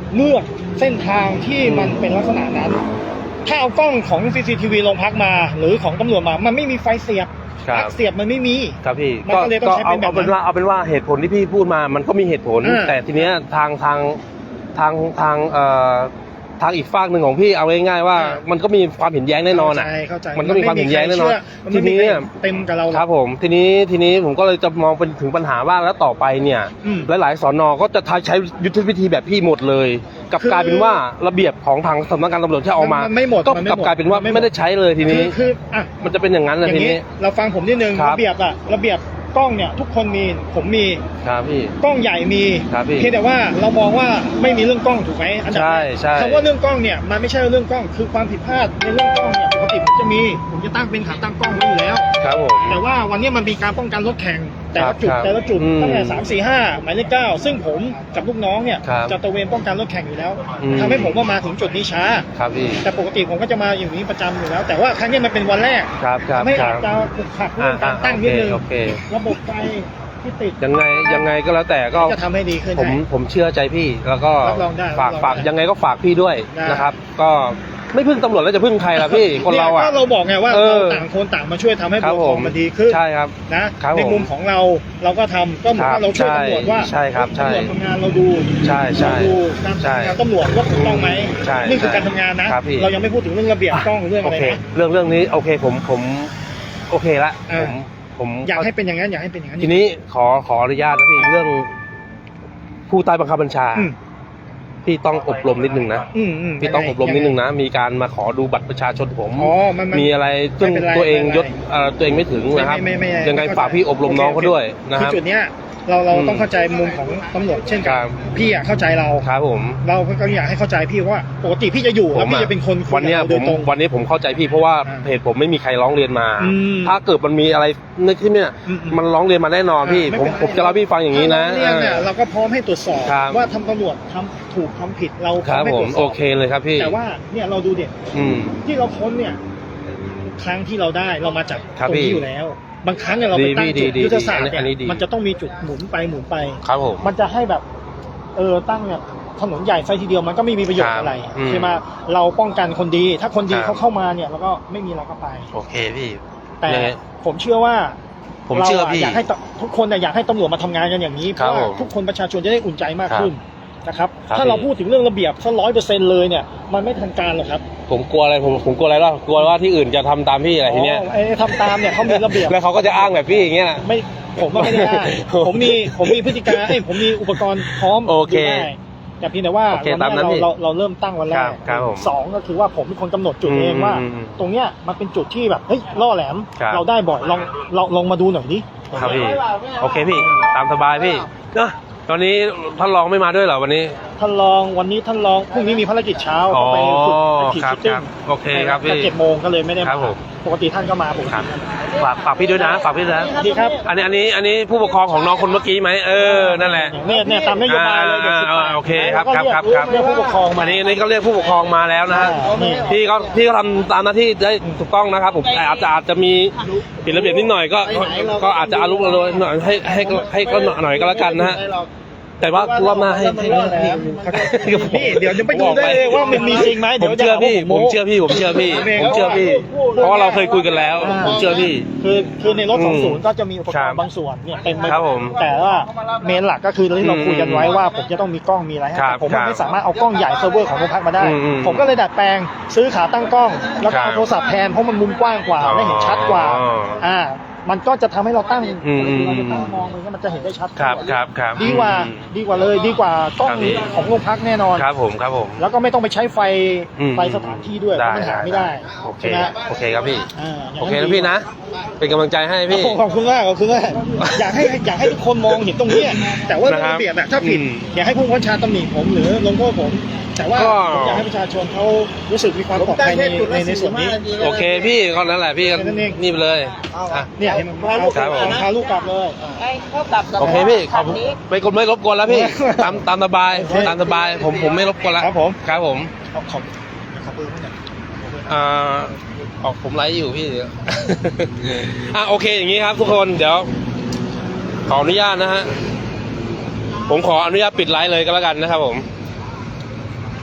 [SPEAKER 5] เลือกเส้นทางที่มันเป็นลักษณะนั้น ถ้าเอากล้องของ ซี ซี ที วี โรงพักมา หรือของตำรวจมามันไม่มีไฟเสียบ
[SPEAKER 1] ครับ
[SPEAKER 5] ปลั๊กเสียบมันไม่มี
[SPEAKER 1] ครับพี่
[SPEAKER 5] มัน
[SPEAKER 1] ก็
[SPEAKER 5] ก็เลยต้อง
[SPEAKER 1] ก็
[SPEAKER 5] ใช้
[SPEAKER 1] เอา
[SPEAKER 5] เป็นแบบ
[SPEAKER 1] เอาเป็น
[SPEAKER 5] นั้น
[SPEAKER 1] ว่าเอาเป็นว่าเหตุผลที่พี่พูดมามันก็มีเหตุผล
[SPEAKER 5] อ่า
[SPEAKER 1] แต่ทีเนี้ยทางทางทางทางเอ่อทางอีกฝากหนึ่งของพี่เอาง่ายๆว่า
[SPEAKER 5] อ่ามั
[SPEAKER 1] มันก็มีความเห็นแย้งแน่นอนอ่ะ
[SPEAKER 5] เข้าใจ
[SPEAKER 1] มันก็มีความเห็นแย้งแน่นอน
[SPEAKER 5] มัน
[SPEAKER 1] ที
[SPEAKER 5] ไม่มี
[SPEAKER 1] นี้
[SPEAKER 5] ใครเต็มกับเราหรอก
[SPEAKER 1] ครับผมทีนี้ทีนี้ผมก็เลยจะมองเป็นถึงปัญหาว่าแล้วต่อไปเนี่ย
[SPEAKER 5] อืม
[SPEAKER 1] หลายๆสอนอก็จะใช้ยุทธวิธีแบบพี่หมดเลยกลับ
[SPEAKER 5] คือก
[SPEAKER 1] ลายเป็นว่าระเบียบของทางสำนักงานตำรวจที่เอามา
[SPEAKER 5] มันไม่หมด
[SPEAKER 1] ก็
[SPEAKER 5] มันไม่
[SPEAKER 1] กลับ
[SPEAKER 5] หมด
[SPEAKER 1] กลายเป็นว่า
[SPEAKER 5] มันไม่หมด
[SPEAKER 1] ไม่ได้ใช้เลยทีนี้
[SPEAKER 5] คือคืออ่ะ
[SPEAKER 1] มันจะเป็นอย่างนั้น
[SPEAKER 5] อ
[SPEAKER 1] เลย
[SPEAKER 5] ย่า
[SPEAKER 1] ที
[SPEAKER 5] งนี้
[SPEAKER 1] นี้
[SPEAKER 5] เราฟังผมนิดนึง
[SPEAKER 1] ครับ
[SPEAKER 5] ระเบียบอะระเบียบกล้องเนี่ยทุกคนมีผมมี
[SPEAKER 1] ครับพี่
[SPEAKER 5] กล้องใหญ่มี
[SPEAKER 1] ครับพี่
[SPEAKER 5] เพียงแต่ว่าเรามองว่าไม่มีเรื่องกล้องถูกไหมอันดับแรก
[SPEAKER 1] ใช่ใช่
[SPEAKER 5] คำว่าเรื่องกล้องเนี่ยมันไม่ใช่เรื่องกล้องคือความผิดพลาดในเรื่องกล้องเนี่ยปกติผมจะมีผมจะตั้งเป็นขาตั้งกล้องไว้อยู่แล้ว
[SPEAKER 1] ครับผม
[SPEAKER 5] แต่ว่าวันนี้มันมีการป้องกันรถแข่งแต่ละจุด
[SPEAKER 1] ครับ
[SPEAKER 5] แต่ละจุด
[SPEAKER 1] อืม
[SPEAKER 5] ตั้งแต่สามสี่ห้าหมายเลขเก้าซึ่งผมกับลูกน้องเนี่ย
[SPEAKER 1] ครับ
[SPEAKER 5] จะตระเวนป้องกันรถแข่งอยู่แล้ว
[SPEAKER 1] อืม
[SPEAKER 5] ทำให้ผมว่ามาถึงจุดนี้ช้า
[SPEAKER 1] ครับพี่
[SPEAKER 5] แต่ปกติผมก็จะมาอย่างนี้ประจำอยู่แล้ว แต่ว่าครั้งนี้มันเป็นวันแรก
[SPEAKER 1] ครับครับ
[SPEAKER 5] ทำให้
[SPEAKER 1] ค
[SPEAKER 5] อา
[SPEAKER 1] รั
[SPEAKER 5] จ
[SPEAKER 1] บ
[SPEAKER 5] จะขุกขักเรื่องการตั้ง
[SPEAKER 1] อ่า
[SPEAKER 5] นิดนึง
[SPEAKER 1] โอเคโอเค
[SPEAKER 5] ระบบไฟที่ติด
[SPEAKER 1] ยังไงยังไงก็แล้วแต่ก็
[SPEAKER 5] จะทำให้ดีขึ้น
[SPEAKER 1] ผม
[SPEAKER 5] ให้
[SPEAKER 1] ผมเชื่อใจพี่แล้วก็
[SPEAKER 5] รับรองได้
[SPEAKER 1] ฝาก
[SPEAKER 5] รับรอง
[SPEAKER 1] ฝาก
[SPEAKER 5] ได้
[SPEAKER 1] ยังไงก็ฝากพี่ด้วย
[SPEAKER 5] ได้
[SPEAKER 1] นะครับ ก็ไม่พึ่งตำรวจแล้วจะพึ่งใครล่ะพี่ คนเราอ่ะ
[SPEAKER 5] ยก็เราบอกไงว่า
[SPEAKER 1] เออ
[SPEAKER 5] เราต่างคนต่างมาช่วยทำให้
[SPEAKER 1] ครับ
[SPEAKER 5] บุคค
[SPEAKER 1] ผ
[SPEAKER 5] ล
[SPEAKER 1] ม
[SPEAKER 5] มันดีขึ้น
[SPEAKER 1] ใช่ครับ
[SPEAKER 5] นะครับ ใน
[SPEAKER 1] ผม
[SPEAKER 5] มุมของเราเราก็ทำก็เหมือน
[SPEAKER 1] ครั
[SPEAKER 5] ว่า
[SPEAKER 1] บ
[SPEAKER 5] เราช่วย
[SPEAKER 1] ใช่
[SPEAKER 5] ตำรวจว่า
[SPEAKER 1] ใช่ครับใช่
[SPEAKER 5] ตำรวจทำงานเราดู
[SPEAKER 1] ใช่ใช่
[SPEAKER 5] เราดูการ
[SPEAKER 1] ใช่
[SPEAKER 5] ทำงานตำรวจว่าถูกต้องไหม
[SPEAKER 1] ใช่
[SPEAKER 5] นี่คือ
[SPEAKER 1] ใช่
[SPEAKER 5] การทำงานนะ
[SPEAKER 1] ครับพี่
[SPEAKER 5] เรายังไม่พูดถึงเรื่องระเบียบกล้องเรื่อง
[SPEAKER 1] โอ
[SPEAKER 5] อะไร
[SPEAKER 1] เค
[SPEAKER 5] นะ
[SPEAKER 1] เรื่องเรื่องนี้โอเคผมผมโอเคละ
[SPEAKER 5] เอ
[SPEAKER 1] ผ
[SPEAKER 5] อ
[SPEAKER 1] มผม
[SPEAKER 5] อยากให้เป็นอย่างนั้นอยากให้เป็นอย่างนั้น
[SPEAKER 1] ทีนี้ขอขออนุญาตนะพี่เรื่องผู้ใต้บังคับบัญชา
[SPEAKER 5] อืม
[SPEAKER 1] พี่ต้องอบรมนิดนึงนะ
[SPEAKER 5] อืมอืม
[SPEAKER 1] พี่ต้องอบรมนิดนึงนะ มีการมาขอดูบัตรประชาชนผม
[SPEAKER 5] อ๋อมันมัน
[SPEAKER 1] มีอะไรซึ่ง
[SPEAKER 5] ไม่เป็นไร
[SPEAKER 1] ตัวเอง
[SPEAKER 5] ไม่เป็นไร
[SPEAKER 1] ยศเอ่อตัวเองไม่ถึงนะครับ
[SPEAKER 5] ไม่ไม่ไม่
[SPEAKER 1] ยังไงฝากพี่อบรมน้องเขาด้วยนะค
[SPEAKER 5] คือ
[SPEAKER 1] รับ
[SPEAKER 5] จุดเนี้ยเราเรา
[SPEAKER 1] อืม
[SPEAKER 5] ต้องเข้าใจมุมของตำรวจเช่น
[SPEAKER 1] ค
[SPEAKER 5] กั
[SPEAKER 1] รั
[SPEAKER 5] น
[SPEAKER 1] บ
[SPEAKER 5] พี่อะเข้าใจเรา
[SPEAKER 1] ครับผม
[SPEAKER 5] เราก็อยากให้เข้าใจพี่ว่าปกติพี่จะอยู่แล้วพี่จะเป็นคนคุย
[SPEAKER 1] วันเนี้ย
[SPEAKER 5] กับ
[SPEAKER 1] ผ
[SPEAKER 5] เรา
[SPEAKER 1] ม
[SPEAKER 5] โดยตรง
[SPEAKER 1] วันนี้ผมเข้าใจพี่เพราะว่า
[SPEAKER 5] อ่า
[SPEAKER 1] เพจผมไม่มีใครร้องเรียนมา
[SPEAKER 5] อืม
[SPEAKER 1] ถ้าเกิดมันมีอะไรในที่เนี่ย
[SPEAKER 5] อืมอืม
[SPEAKER 1] มันร้องเรียนมาแน่นอนพี่
[SPEAKER 5] ไม่
[SPEAKER 1] ผม
[SPEAKER 5] เป็นไร
[SPEAKER 1] ผมจะเล่าให้พี่ฟังอย่างนี้นะ
[SPEAKER 5] ถ้าเราเรียกเนี่ยเราก็พร้อมให้ตรวจสอบ
[SPEAKER 1] ครับ
[SPEAKER 5] ว่าทำตำรวจทำถูกทำผิดเราพ
[SPEAKER 1] ค
[SPEAKER 5] ร้อ
[SPEAKER 1] รั
[SPEAKER 5] ม
[SPEAKER 1] บ
[SPEAKER 5] ให้
[SPEAKER 1] ผ
[SPEAKER 5] ตร
[SPEAKER 1] ม
[SPEAKER 5] วจส
[SPEAKER 1] โอ
[SPEAKER 5] อบ
[SPEAKER 1] เคเลยครับพี่
[SPEAKER 5] แต่ว่าเนี่ยเราดูเด็ก
[SPEAKER 1] อืม
[SPEAKER 5] ที่เราค้นเนี่ยครั้งที่เราได้เรามาจาก
[SPEAKER 1] ครับ
[SPEAKER 5] ตรง
[SPEAKER 1] พี่
[SPEAKER 5] นี้อยู่แล้ว บางครั้งเนี่ยเราไปตั้ง
[SPEAKER 1] ดี
[SPEAKER 5] จุด
[SPEAKER 1] ดี
[SPEAKER 5] ยุทธศาสตร์
[SPEAKER 1] ดีอันนี้
[SPEAKER 5] เนี่ย
[SPEAKER 1] ดี
[SPEAKER 5] มันจะต้องมีจุดหมุนไปหมุนไป
[SPEAKER 1] ครับผม
[SPEAKER 5] มันจะให้แบบเออตั้งเนี่ยถนนใหญ่ไฟทีเดียวมันก็ไม่มีประโยช
[SPEAKER 1] ครั
[SPEAKER 5] น์
[SPEAKER 1] บ
[SPEAKER 5] อะไร
[SPEAKER 1] อืม
[SPEAKER 5] ใช่ไหมเราป้องกันคนดี ถ้าคนดี
[SPEAKER 1] ครับ
[SPEAKER 5] เขาเข้ามาเนี่ยเราก็ไม่มีเราก็ไป
[SPEAKER 1] โอเคพี่
[SPEAKER 5] แต่
[SPEAKER 1] ยังไง
[SPEAKER 5] ผมเชื่อว่า
[SPEAKER 1] ผมเชื่อพี่
[SPEAKER 5] ราะอยากให้ตทุกคนเนี่ยอยากให้ตำรวจมาทำงานกันอย่างนี้เพ
[SPEAKER 1] ครับ
[SPEAKER 5] ราะว่า
[SPEAKER 1] ผม
[SPEAKER 5] ทุกคนประชาชนจะได้อุ่นใจมากขึ้นนะครับ
[SPEAKER 1] ครับ
[SPEAKER 5] ถ้าเรา
[SPEAKER 1] พี่
[SPEAKER 5] พูดถึงเรื่องระเบียบสักร้อยเปอร์เซ็นต์เลยเนี่ยมันไม่ทันการหรอกครับ
[SPEAKER 1] ผมกลัวอะไรผมผมกลัวอะไรล่ะกลัวว่าที่อื่นจะทำตามพี่อะไรทีเนี้ย
[SPEAKER 5] อ๋อไอ้ทำตามเนี่ยเขามีระเบียบ
[SPEAKER 1] แล้วเขาก็จะอ้างแบบพี่อย่างเงี้ยนะ
[SPEAKER 5] ไม่ผมว่าไม่ได้อ้าง ผมมีผมมีพฤติการเอ้ยผมมีอุปกรณ์พร้อม
[SPEAKER 1] โอเค
[SPEAKER 5] ดูได้แต่เพียงแต่ว่า
[SPEAKER 1] โอเค
[SPEAKER 5] วัน
[SPEAKER 1] ตามนั้
[SPEAKER 5] นี้
[SPEAKER 1] น
[SPEAKER 5] เรา
[SPEAKER 1] พี่
[SPEAKER 5] เราเราเริ่มตั้งวันแร
[SPEAKER 1] ครั
[SPEAKER 5] ก
[SPEAKER 1] บครับผม
[SPEAKER 5] สองก็คือว่าผมเป็นคนกำหนดจุด
[SPEAKER 1] อืม
[SPEAKER 5] เองว่า
[SPEAKER 1] อืมอืม
[SPEAKER 5] ตรงเนี้ยมันเป็นจุดที่แบบเฮ้ยล่อแหลม
[SPEAKER 1] ครับ
[SPEAKER 5] เราได้บ่อยลองเราลองมาดูหน่อยดิ
[SPEAKER 1] ครับพี่โอเคพี่ตามสบายพี่เนอะตอนนี้ท่านรองไม่มาด้วยเหรอวันนี้
[SPEAKER 5] ท่านรองวันนี้ท่านรองพรุ่งนี้มีภารกิจเช้า
[SPEAKER 1] อ๋อ
[SPEAKER 5] ไปฝึกไปขี่
[SPEAKER 1] ครับ
[SPEAKER 5] ชิตติ้
[SPEAKER 1] ครั
[SPEAKER 5] ง
[SPEAKER 1] บโอเคครับพี่
[SPEAKER 5] เจ็ดโมงก็เลยไม่ได้
[SPEAKER 1] ครั
[SPEAKER 5] มา
[SPEAKER 1] บผม
[SPEAKER 5] ปกติท่านก็มาปก
[SPEAKER 1] ครั
[SPEAKER 5] ติ
[SPEAKER 1] บฝากฝากพี่ด้วยนะฝากพี่ด้วยนะ
[SPEAKER 5] ดีครับ
[SPEAKER 1] อันนี้อันนี้อันนี้ผู้ปกครองของน้องคนเมื่อกี้ไหมเออนั่นแหละ
[SPEAKER 5] เนี่ยเนี่ยตามนโยบายเลยเด็กสิบ
[SPEAKER 1] อ่า
[SPEAKER 5] แปด
[SPEAKER 1] โอเคครับ
[SPEAKER 5] แล้วก็
[SPEAKER 1] ครับ
[SPEAKER 5] เรียก
[SPEAKER 1] ครับ
[SPEAKER 5] เรียกผู้ปกครองมา
[SPEAKER 1] อันนี้อันนี้ก็เรียกผู้ปกครองมาแล้วนะฮะ
[SPEAKER 5] อ่านี่
[SPEAKER 1] พี่ก็พี่ก็ทำตามหน้าที่ได้ถูกต้องนะครับผมแต่อาจจะอาจจะมีผิดระเบียบนิดหน่อยก็ก็อาจจะอารุมอร่วยหน่อยให้ให้ให้ก็หน่อยก็แล้วกันนะฮะแต่ว่ารอบหน้าให้ให้
[SPEAKER 5] รอบแล้ว นี่เดี๋ยวจะไปดูได้เลยว่ามันมีจริงไหม
[SPEAKER 1] ผ
[SPEAKER 5] เดี๋ยว
[SPEAKER 1] มเชื่อพี่
[SPEAKER 5] จะหา
[SPEAKER 1] ผ
[SPEAKER 5] ว่าม
[SPEAKER 1] เชื่อพี่ผมเชื่อพี่
[SPEAKER 5] ผมเอง
[SPEAKER 1] ผมเชื่อพี่ เพราะว่าเราเคยคุยกันแล้ว
[SPEAKER 5] อ่า
[SPEAKER 1] ผมเชื่อพี่
[SPEAKER 5] คือคือในรถ
[SPEAKER 1] อืม
[SPEAKER 5] สองศูนย์ก็จะมีอุปก
[SPEAKER 1] ครั
[SPEAKER 5] ร
[SPEAKER 1] บ
[SPEAKER 5] ณ์บางส่วนเนี่ยเต็มไป
[SPEAKER 1] ครับผม
[SPEAKER 5] แต่ว่าเมนหลักก็คือที่เราคุยกันไว้ว่าผมจะต้องมีกล้องมีอะไรให้
[SPEAKER 1] ครับ
[SPEAKER 5] แต่ผม
[SPEAKER 1] ครับ
[SPEAKER 5] ไม่สามารถเอากล้องใหญ่เซิร์ฟเวอร์ของโรงพักมาได้
[SPEAKER 1] อืมอืม
[SPEAKER 5] ผมก็เลยดัดแปลงซื้อขาตั้งกล้อง แล้วก็
[SPEAKER 1] ครั
[SPEAKER 5] เอา
[SPEAKER 1] บ
[SPEAKER 5] โทรศัพท์แทนเพราะมันมุมกว้างกว่า
[SPEAKER 1] อ๋อ
[SPEAKER 5] และเห็นชัดกว่า
[SPEAKER 1] อ๋ออ่
[SPEAKER 5] อ่ามันก็จะทำให้เราตั้ง
[SPEAKER 1] อืมอืม
[SPEAKER 5] เราจะตั้งมองมันก็มันจะเห็นได้ชัด
[SPEAKER 1] ครับ
[SPEAKER 5] กว่า
[SPEAKER 1] ครับครับ
[SPEAKER 5] ดีกว่า
[SPEAKER 1] อืม
[SPEAKER 5] ดีกว่าเลยดีกว่ากล้อง
[SPEAKER 1] ครับพี่
[SPEAKER 5] ของโรงพักแน่นอน
[SPEAKER 1] ครับผมครับผม
[SPEAKER 5] แล้วก็ไม่ต้องไปใช้ไฟ
[SPEAKER 1] อืม
[SPEAKER 5] ไฟสถานที่ด้วยเพราะมันหาไม่ได้
[SPEAKER 1] โอเค
[SPEAKER 5] ใช่ไหม
[SPEAKER 1] โอเคครับพี่
[SPEAKER 5] อ่าย่าง
[SPEAKER 1] โอเคนะพี่นะ เป็นกำลังใจให้พี่
[SPEAKER 5] ขอบคุณมากขอบคุณมากอยากให้อยากให้ทุกคนมองเห็นตรงเนี้ยแต่ว่า
[SPEAKER 1] นะครับ
[SPEAKER 5] ระเบียบอะถ้าผิด
[SPEAKER 1] อืม
[SPEAKER 5] อยากให้ผู้บังคับบัญชาตำหนิผมหรือลงโทษผม แต่ว่า
[SPEAKER 1] ก็
[SPEAKER 5] ผมอยากให้ประชาชนเขารู้สึกมีความปลอดภัยในในในส่วนนี้
[SPEAKER 1] โอเคพี่ก็นั่นแหละพี่ก็
[SPEAKER 5] แค่นั้นเอง
[SPEAKER 1] นี่ไปเลยอ่ะ
[SPEAKER 5] เนี่ยเห็นมันเอา
[SPEAKER 1] ครับผม
[SPEAKER 5] พาลูกกลับเลย
[SPEAKER 6] ให้เขากลับกับ
[SPEAKER 1] โอเคพี่ขอบคุณ
[SPEAKER 6] นี้
[SPEAKER 1] ไม่กดไม่รบกวนแล้วพี่ ตามตามสบาย
[SPEAKER 5] โอเค
[SPEAKER 1] ตามสบายผมผมไม่รบกวนแล้ว
[SPEAKER 5] ครับผม
[SPEAKER 1] ครับผม
[SPEAKER 5] ขอบขอบขอบคุณมาก
[SPEAKER 1] อ่าออกผมไลฟ์อยู่พี่เดี๋ยว อ่ะโอเคอย่างนี้ครับ ทุกคนเดี๋ยว ขออนุญาตนะฮะผมขออนุญาตปิดไลฟ์เลยก็แล้วกันนะครับผม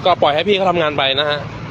[SPEAKER 1] ก็ปล่อยให้พี่เขาทำงานไปนะฮะ